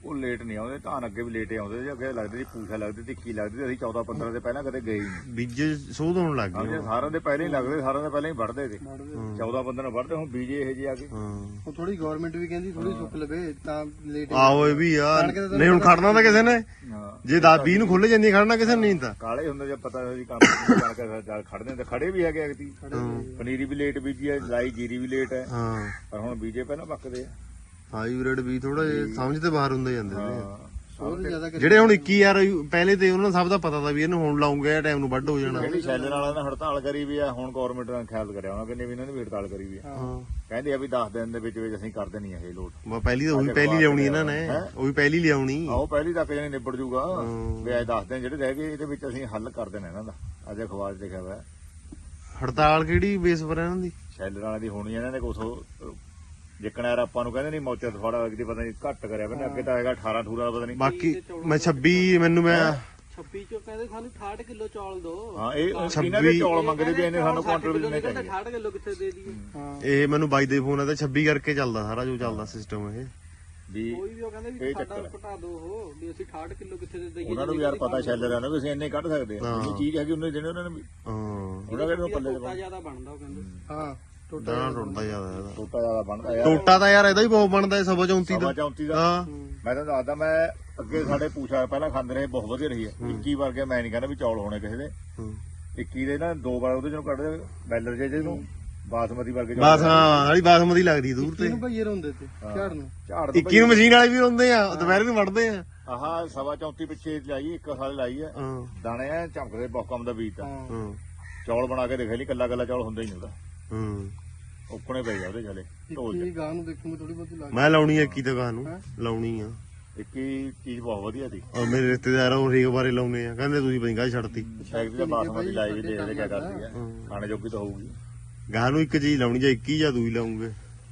ਉਹ ਲੇਟ ਨਹੀਂ ਆਉਂਦੇ, ਧਾਨ ਅੱਗੇ ਵੀ ਲੇਟ ਆਉਂਦੇ ਸੀ, ਅੱਗੇ ਲੱਗਦੇ ਸੀ ਪੂਛਾ ਲੱਗਦੀ, ਟਿੱਕੀ ਲੱਗਦੀ ਸੀ, ਅਸੀਂ 14-15 ਦੇ ਪਹਿਲਾਂ ਕਦੇ ਗਏ ਹੀ ਨਹੀਂ।
ਬੀਜੇ ਸੋਧ ਹੋਣ ਲੱਗ ਗਏ।
ਸਮਝੇ, ਸਾਰਿਆਂ ਦੇ ਪਹਿਲਾਂ ਹੀ ਲੱਗਦੇ, ਸਾਰਿਆਂ ਦੇ ਪਹਿਲਾਂ ਹੀ ਵੱਢਦੇ ਸੀ, 14-15 ਨੂੰ ਵੱਢਦੇ, ਹੁਣ ਬੀਜੇ ਇਹ ਜਿਹੇ ਆ ਗਏ।
ਹਾਂ
ਉਹ ਥੋੜੀ ਗਵਰਨਮੈਂਟ ਵੀ ਕਹਿੰਦੀ ਥੋੜੀ ਸੁੱਕ ਲਵੇ ਤਾਂ ਲੇਟ
ਆਹੋ ਇਹ ਵੀ ਆ, ਨਹੀਂ ਹੁਣ ਖੜਨਾ ਤਾਂ ਕਿਸੇ ਨੇ,
ਹਾਂ
ਜੇ 10-20 ਨੂੰ ਖੁੱਲ ਜਾਂਦੀ ਖੜਨਾ ਕਿਸੇ ਨੇ ਨਹੀਂ ਤਾਂ।
ਕਾਲੇ ਹੁੰਦੇ, ਜਦ ਪਤਾ ਸੀ ਕੰਮ ਜਾਣ ਖੜਦੇ ਤੇ ਖੜੇ ਵੀ ਹੈਗੇ ਅਗਤੀ। ਪਨੀਰੀ ਵੀ ਲੇਟ ਬੀਜੀ ਹੈ, ਲਾਈ ਜੀਰੀ ਵੀ ਲੇਟ ਹੈ,
ਹਾਂ
ਪਰ ਹੁਣ ਬੀਜੇ ਪਹਿਲਾਂ ਪੱਕਦੇ ਆ।
ਹਾਈਬ੍ਰਿਡ ਵੀ ਥੋੜਾ ਸਮਝ ਤੇ ਬਾਹਰ ਹੁੰਦੇ ਜਾਂਦੇ ਨੇ।
ਹਾਂ
ਹੋਰ ਜ਼ਿਆਦਾ
ਜਿਹੜੇ ਹੁਣ 21 ਯਾਰ ਪਹਿਲੇ ਤੇ ਉਹਨਾਂ ਨੂੰ ਸਭ ਦਾ ਪਤਾ ਤਾਂ ਵੀ ਇਹਨੂੰ ਹੁਣ ਲਾਉਂਗੇ ਟਾਈਮ ਨੂੰ ਵੱਢ ਹੋ ਜਾਣਾ।
ਜਿਹੜੀ ਸ਼ੈਲਰ ਵਾਲਿਆਂ ਨੇ ਹੜਤਾਲ ਕਰੀ ਵੀ ਆ, ਹੁਣ ਗਵਰਨਮੈਂਟ ਨੇ ਖਿਆਲ ਕਰਿਆ ਉਹਨਾਂ ਕਹਿੰਦੇ ਵੀ ਇਹਨਾਂ ਨੇ ਵੀ ਹੜਤਾਲ ਕਰੀ ਵੀ ਆ,
ਹਾਂ
ਕਹਿੰਦੇ ਆ ਵੀ 10 ਦਿਨ ਦੇ ਵਿੱਚ ਅਸੀਂ ਕਰ ਦੇਣੀ ਆ ਇਹ ਲੋਟ।
ਬਾ ਪਹਿਲੀ ਤਾਂ ਉਹੀ ਪਹਿਲੀ ਲਿਆਉਣੀ ਇਹਨਾਂ ਨੇ, ਉਹੀ ਪਹਿਲੀ ਲਿਆਉਣੀ।
ਆਓ ਪਹਿਲੀ ਤੱਕ ਜਾਨੀ ਨਿਬੜ ਜੂਗਾ ਵੀ ਅੱਜ 10 ਦਿਨ ਜਿਹੜੇ ਰਹਿ ਗਏ ਇਹਦੇ ਵਿੱਚ ਅਸੀਂ ਹੱਲ ਕਰ ਦੇਣਾ ਇਹਨਾਂ ਦਾ। ਅੱਜ ਅਖਬਾਰ 'ਚ ਲਿਖਿਆ ਹੋਇਆ
ਹੜਤਾਲ ਕਿਹੜੀ ਬੇਸ ਪਰ ਇਹਨਾਂ ਦੀ?
ਸ਼ੈਲਰ ਵਾਲਿਆਂ ਦੀ ਹੋਣੀ ਇਹਨਾਂ ਨੇ ਕੁਛ ਜਿੱਕਣਾ ਯਾਰ ਆਪਾਂ ਨੂੰ ਕਹਿੰਦੇ ਨਹੀਂ ਮੌਚਾ ਥੋੜਾ ਅਗਦੀ ਪਤਾ ਨਹੀਂ ਘੱਟ ਕਰਿਆ ਬੰਨੇ, ਅੱਗੇ ਤਾਂ ਹੈਗਾ 18-18 ਦਾ ਪਤਾ ਨਹੀਂ।
ਬਾਕੀ ਮੈਂ 26 ਮੈਨੂੰ ਮੈਂ
26 ਚੋਂ ਕਹਿੰਦੇ ਸਾਨੂੰ 68 ਕਿਲੋ ਚੌਲ ਦੋ।
ਹਾਂ ਇਹ ਇਹਨਾਂ ਦੇ ਚੌਲ ਮੰਗਦੇ ਵੀ ਇਹਨੇ ਸਾਨੂੰ ਕੁਆਂਟਲ ਵੀ ਦੇਣੇ ਚਾਹੀਦੇ।
68 ਕਿਲੋ ਕਿੱਥੇ ਦੇ ਦਈਏ?
ਇਹ ਮੈਨੂੰ ਬਾਈ ਦੇ ਫੋਨ ਆ ਤੇ 26 ਕਰਕੇ ਚੱਲਦਾ ਸਾਰਾ ਜੋ ਚੱਲਦਾ ਸਿਸਟਮ ਇਹ।
ਵੀ
ਕੋਈ ਵੀ ਉਹ ਕਹਿੰਦੇ ਵੀ ਸਾਡਾ ਘਟਾ ਦੋ ਉਹ ਵੀ ਅਸੀਂ 68 ਕਿਲੋ ਕਿੱਥੇ ਦੇ ਦਈਏ?
ਉਹਨਾਂ ਨੂੰ ਵੀ ਯਾਰ ਪਤਾ ਸ਼ੈਲਰਾਂ ਨੂੰ ਵੀ ਅਸੀਂ ਇੰਨੇ ਕੱਢ ਸਕਦੇ ਆ, ਇਹ ਚੀਜ਼ ਹੈਗੀ ਉਹਨੇ ਦੇਣੇ ਉਹਨਾਂ ਨੇ ਵੀ।
ਹਾਂ
ਉਹਨਾਂ ਕਹਿੰਦੇ ਪੱਲੇ
ਟੋਟਾ ਜ਼ਿਆਦਾ ਬਣਦਾ ਉਹ ਕਹਿੰਦੇ।
ਹਾਂ
ਦਾਣਾ ਟੁੱਟਦਾ ਜ਼ਿਆਦਾ ਇਹਦਾ।
ਟੋਟਾ ਜ਼ਿਆਦਾ ਬਣਦਾ ਯਾਰ,
ਟੋਟਾ ਤਾਂ ਯਾਰ ਇਹਦਾ ਹੀ ਬਹੁਤ ਬਣਦਾ ਹੈ 34 ਦਾ।
34 ਦਾ।
ਹਾਂ
ਮੈਂ ਤਾਂ ਦੱਸਦਾ, ਮੈਂ ਅੱਗੇ ਸਾਡੇ ਪੂਛਾ ਪਹਿਲਾਂ ਖਾਂਦੇ ਰਹੇ, ਬਹੁਤ ਵਧੀਆ ਰਹੀ ਹੈ। 21 ਵਰਗੇ ਮੈਂ ਨਹੀਂ ਕਹਿੰਦਾ ਵੀ ਚੌਲ ਹੋਣੇ ਕਿਸੇ ਦੇ। 21 ਦੇ ਨਾ 2 ਵਾਰ ਉਹਦੇ ਚੋਂ ਕੱਢਦੇ ਬੈਲਰ ਜਿਹਨੂੰ ਬਾਸਮਤੀ ਵਰਗੇ ਚੌਲ।
ਬਸ ਹਾਂ ਵਾਲੀ ਬਾਸਮਤੀ ਲੱਗਦੀ ਦੂਰ ਤੇ।
ਇਹਨੂੰ ਭਈਏ ਰੋਂਦੇ ਤੇ ਝਾੜ ਨੂੰ।
ਝਾੜ
21 ਨੂੰ ਮਸ਼ੀਨ ਵਾਲੇ ਵੀ ਹੁੰਦੇ ਆ, ਦੁਪਹਿਰੇ ਨੂੰ ਵੱਢਦੇ ਆ।
ਆਹ 34 ਪਿੱਛੇ ਲਾਈ, 1 ਸਾਲ ਲਾਈ ਹੈ,
ਹਾਂ
ਦਾਣੇ ਆ ਚਮਕਦੇ, ਬਹੁਤ ਕੰਮ ਦਾ ਬੀਜ ਤਾਂ।
ਹਾਂ
ਚੌਲ ਬਣਾ ਕੇ ਦੇਖ ਲਈ, ਕੱਲਾ ਚੌਲ ਹੁੰਦਾ ਹੀ ਨਹੀਂ ਉਹਦਾ,
ਹਾਂ
ਉੱਕਣੇ ਪਈ ਆ ਉਹਦੇ ਚਲੇ ਢੋਲ
ਇਹ ਗਾਂ ਨੂੰ ਦੇਖੂਗੇ ਥੋੜੀ ਬਹੁਤੀ ਲੱਗ
ਮੈਂ ਲਾਉਣੀ ਆ 21 ਦੁਕਾਨ ਨੂੰ, ਲਾਉਣੀ ਆ।
ਇੱਕ ਹੀ ਚੀਜ਼ ਬਹੁਤ ਵਧੀਆ ਸੀ।
ਔਰ ਮੇਰੇ ਰਿਸ਼ਤੇਦਾਰ ਉਹ ਰੇਗ ਬਾਰੇ ਲਾਉਣੇ ਆ, ਕਹਿੰਦੇ ਤੁਸੀਂ ਪੰਜਾ ਛੱਡਤੀ।
ਸ਼ਾਇਦ ਵੀ ਬਾਸਮਤੀ ਲਾਈ ਵੀ ਦੇਖਦੇ ਕਿਆ ਕਰਦੀ ਹੈ, ਖਾਣੇ ਜੋਗੀ ਤਾਂ ਹੋਊਗੀ।
ਗਾਂ ਨੂੰ ਇੱਕ ਚੀਜ਼ ਲਾਉਣੀ, ਜਾਂ 21 ਜਾਂ ਦੂਈ ਲਾਉਂਗੇ।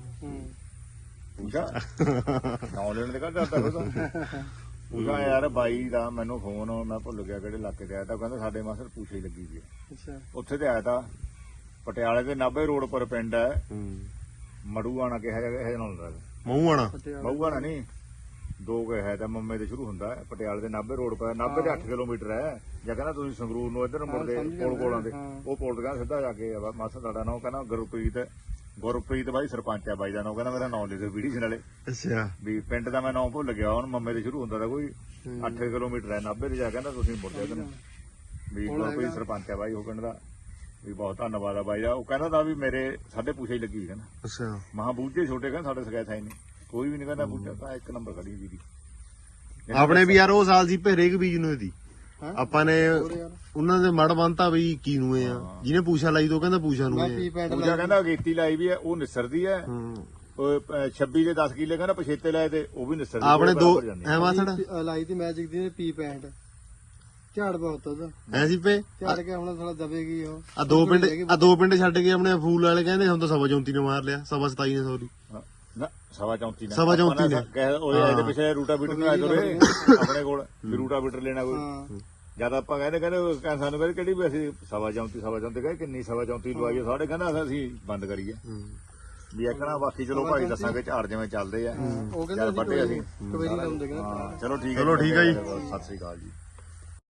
ਪੂਜਾ ਨੌ ਲੈਣ ਦੇ ਕਰਦਾ ਪੂਜਾ ਯਾਰ ਬਾਈ ਦਾ ਮੈਨੂੰ ਫੋਨ, ਮੈਂ ਭੁੱਲ ਗਿਆ ਕਿਹੜੇ ਇਲਾਕੇ ਤੇ ਆਇਆ ਤਾਂ, ਕਹਿੰਦਾ ਸਾਡੇ ਮਾਸਰ ਪੂਛੇ ਲੱਗੀ ਵੀ
ਅੱਛਾ
ਉੱਥੇ ਤੇ ਆਇਆ ਤਾਂ ਪਟਿਆਲੇ ਦੇ 90 ਰੋਡ ਪਰ ਪਿੰਡ ਹੈ ਮੜੂਆਣਾ ਕਿਹਾ ਜਾਂਦਾ ਇਹ ਨਾਲ
ਮੂੰਹ ਆਣਾ
ਮਊਆਣਾ ਨਹੀਂ, 2 ਕਿਹਾ ਤਾਂ ਮੰਮੇ ਤੇ ਸ਼ੁਰੂ ਹੁੰਦਾ ਹੈ। ਪਟਿਆਲੇ ਦੇ 90 ਰੋਡ ਪਰ 90 ਦੇ 8 ਕਿਲੋਮੀਟਰ ਹੈ। ਜਾਂ ਕਹਿੰਦਾ ਤੁਸੀਂ ਸੰਗਰੂਰ ਨੂੰ ਇੱਧਰ ਮੁੜਦੇ ਕੋਲ ਆਉਂਦੇ, ਉਹ ਪੁਲ ਤੇ ਕਹਿੰਦਾ ਸਿੱਧਾ ਜਾ ਕੇ ਮਾਸਾ ਤੁਹਾਡਾ ਨਾਮ ਕਹਿੰਦਾ ਗੁਰਪ੍ਰੀਤ ਬਾਈ ਸਰਪੰਚ ਹੈ ਬਾਈ ਦਾ ਨਾਮ, ਕਹਿੰਦਾ ਮੇਰਾ ਨਾਮ ਲਿਖੋ ਵੀਡੀਓ ਨਾਲੇ।
ਅੱਛਾ
ਵੀ ਪਿੰਡ ਦਾ ਮੈਂ ਨਾਮ ਭੁੱਲ ਗਿਆ ਹੁਣ, ਮੰਮੇ ਤੇ ਸ਼ੁਰੂ ਹੁੰਦਾ ਤਾਂ ਕੋਈ 8 ਕਿਲੋਮੀਟਰ ਹੈ 90 ਤੇ ਜਾ ਕਹਿੰਦਾ ਤੁਸੀਂ ਮੁੜਦੇ ਇੱਧਰ ਨੂੰ। ਵੀ ਗੁਰਪ੍ਰੀਤ ਸਰਪੰਚ ਹੈ ਬਾਈ ਉਹ ਪਿੰਡ ਦਾ, ਵੀ ਬਹੁਤ ਧੰਨਵਾਦ ਆ ਬਾਈ ਦਾ। ਉਹ ਕਹਿੰਦਾ ਤਾਂ ਵੀ ਸਾਡੇ ਪੂਛੇ ਹੀ ਲੱਗੀ ਕਹਿੰਦਾ,
ਅੱਛਾ
ਮਹਾ ਬੂਝੇ ਛੋਟੇ ਕਹਿੰਦਾ ਸਾਡੇ ਸਗੈਤ ਹੈ ਨਹੀਂ, ਕੋਈ ਵੀ ਨਹੀਂ ਕਹਿੰਦਾ ਬੂਝਾ ਤਾਂ 1 ਨੰਬਰ ਖੜੀ ਵੀ ਦੀ।
ਆਪਣੇ ਵੀ ਯਾਰ ਉਹ ਸਾਲ ਸੀ ਹਰੇਕ ਬੀਜ ਨੂੰ ਇਹਦੀ ਆਪਾਂ ਨੇ ਉਹਨਾਂ ਦੇ ਮੜ ਬੰਨਤਾ ਵੀ 21 ਨੂੰ ਇਹ ਆ, ਜਿਹਨੇ ਪੂਛਾ ਲਾਈ ਤੋਂ ਕਹਿੰਦਾ ਪੂਛਾ ਨੂੰ ਇਹ ਆ।
ਪੂਜਾ ਕਹਿੰਦਾ ਅਗੇਤੀ ਲਾਈ ਵੀ ਹੈ ਉਹ ਨਿਸਰਦੀ ਹੈ, ਉਹ 26 ਦੇ 10 ਕਿੱਲੇ ਕਹਿੰਦਾ ਪਛੇਤੇ ਲਾਏ ਤੇ ਉਹ ਵੀ ਨਿਸਰਦੀ।
ਆਪਣੇ 2 ਐ ਮਾਸੜ
ਲਾਈ ਤੇ ਮੈਜਿਕ ਦੀ ਪੀ ਪੈਂਟ ਝਾੜ ਬਹੁਤ ਉਹਦਾ
ਐ ਸੀ ਪੇ
ਝਾੜ ਕੇ ਹੁਣ ਥੋੜਾ ਦਬੇਗੀ ਉਹ।
ਆ 2 ਪਿੰਡ ਛੱਡ ਕੇ ਆਪਣੇ ਫੂਲ ਵਾਲੇ ਕਹਿੰਦੇ ਹੁਣ ਤਾਂ 34 ਨੇ ਮਾਰ ਲਿਆ, 27 ਨੇ ਸੌਰੀ
ਨਾ 34
ਸਵਾ 34 ਨੇ
ਉਹਦੇ ਇਹਦੇ ਪਿੱਛੇ ਰੂਟਾ ਬੀਟਰ ਨੂੰ ਆਇਆ ਤੋਰੇ ਆਪਣੇ ਕੋਲ ਵੀ ਰੂਟਾ ਬੀਟਰ ਲੈਣਾ ਕੋਈ। ਜਦ ਆਪਾਂ ਕਹਿੰਦੇ ਸਾਨੂੰ ਕਹਿੰਦੇ ਕਿਹੜੀ ਵੀ ਅਸੀਂ 34 ਕਹੇ ਕਿੰਨੀ 34 ਲਵਾਈਏ, ਸਾਡੇ ਕਹਿੰਦਾ ਅਸੀਂ ਬੰਦ ਕਰੀਏ ਵੀ ਆਖਣਾ। ਬਾਕੀ ਚਲੋ ਭਾਈ ਦੱਸਾਂਗੇ ਝਾੜ ਜਿਵੇਂ ਚੱਲਦੇ ਆ,
ਉਹ
ਚੱਲ ਵੱਡੇ ਅਸੀਂ
ਕਵੇਰੀ ਲਾਉਂਦੇ ਕਹਿੰਦਾ।
ਚਲੋ ਠੀਕ ਹੈ
ਚਲੋ ਠੀਕ ਹੈ ਜੀ,
ਸਤਿ ਸ੍ਰੀ ਅਕਾਲ ਜੀ।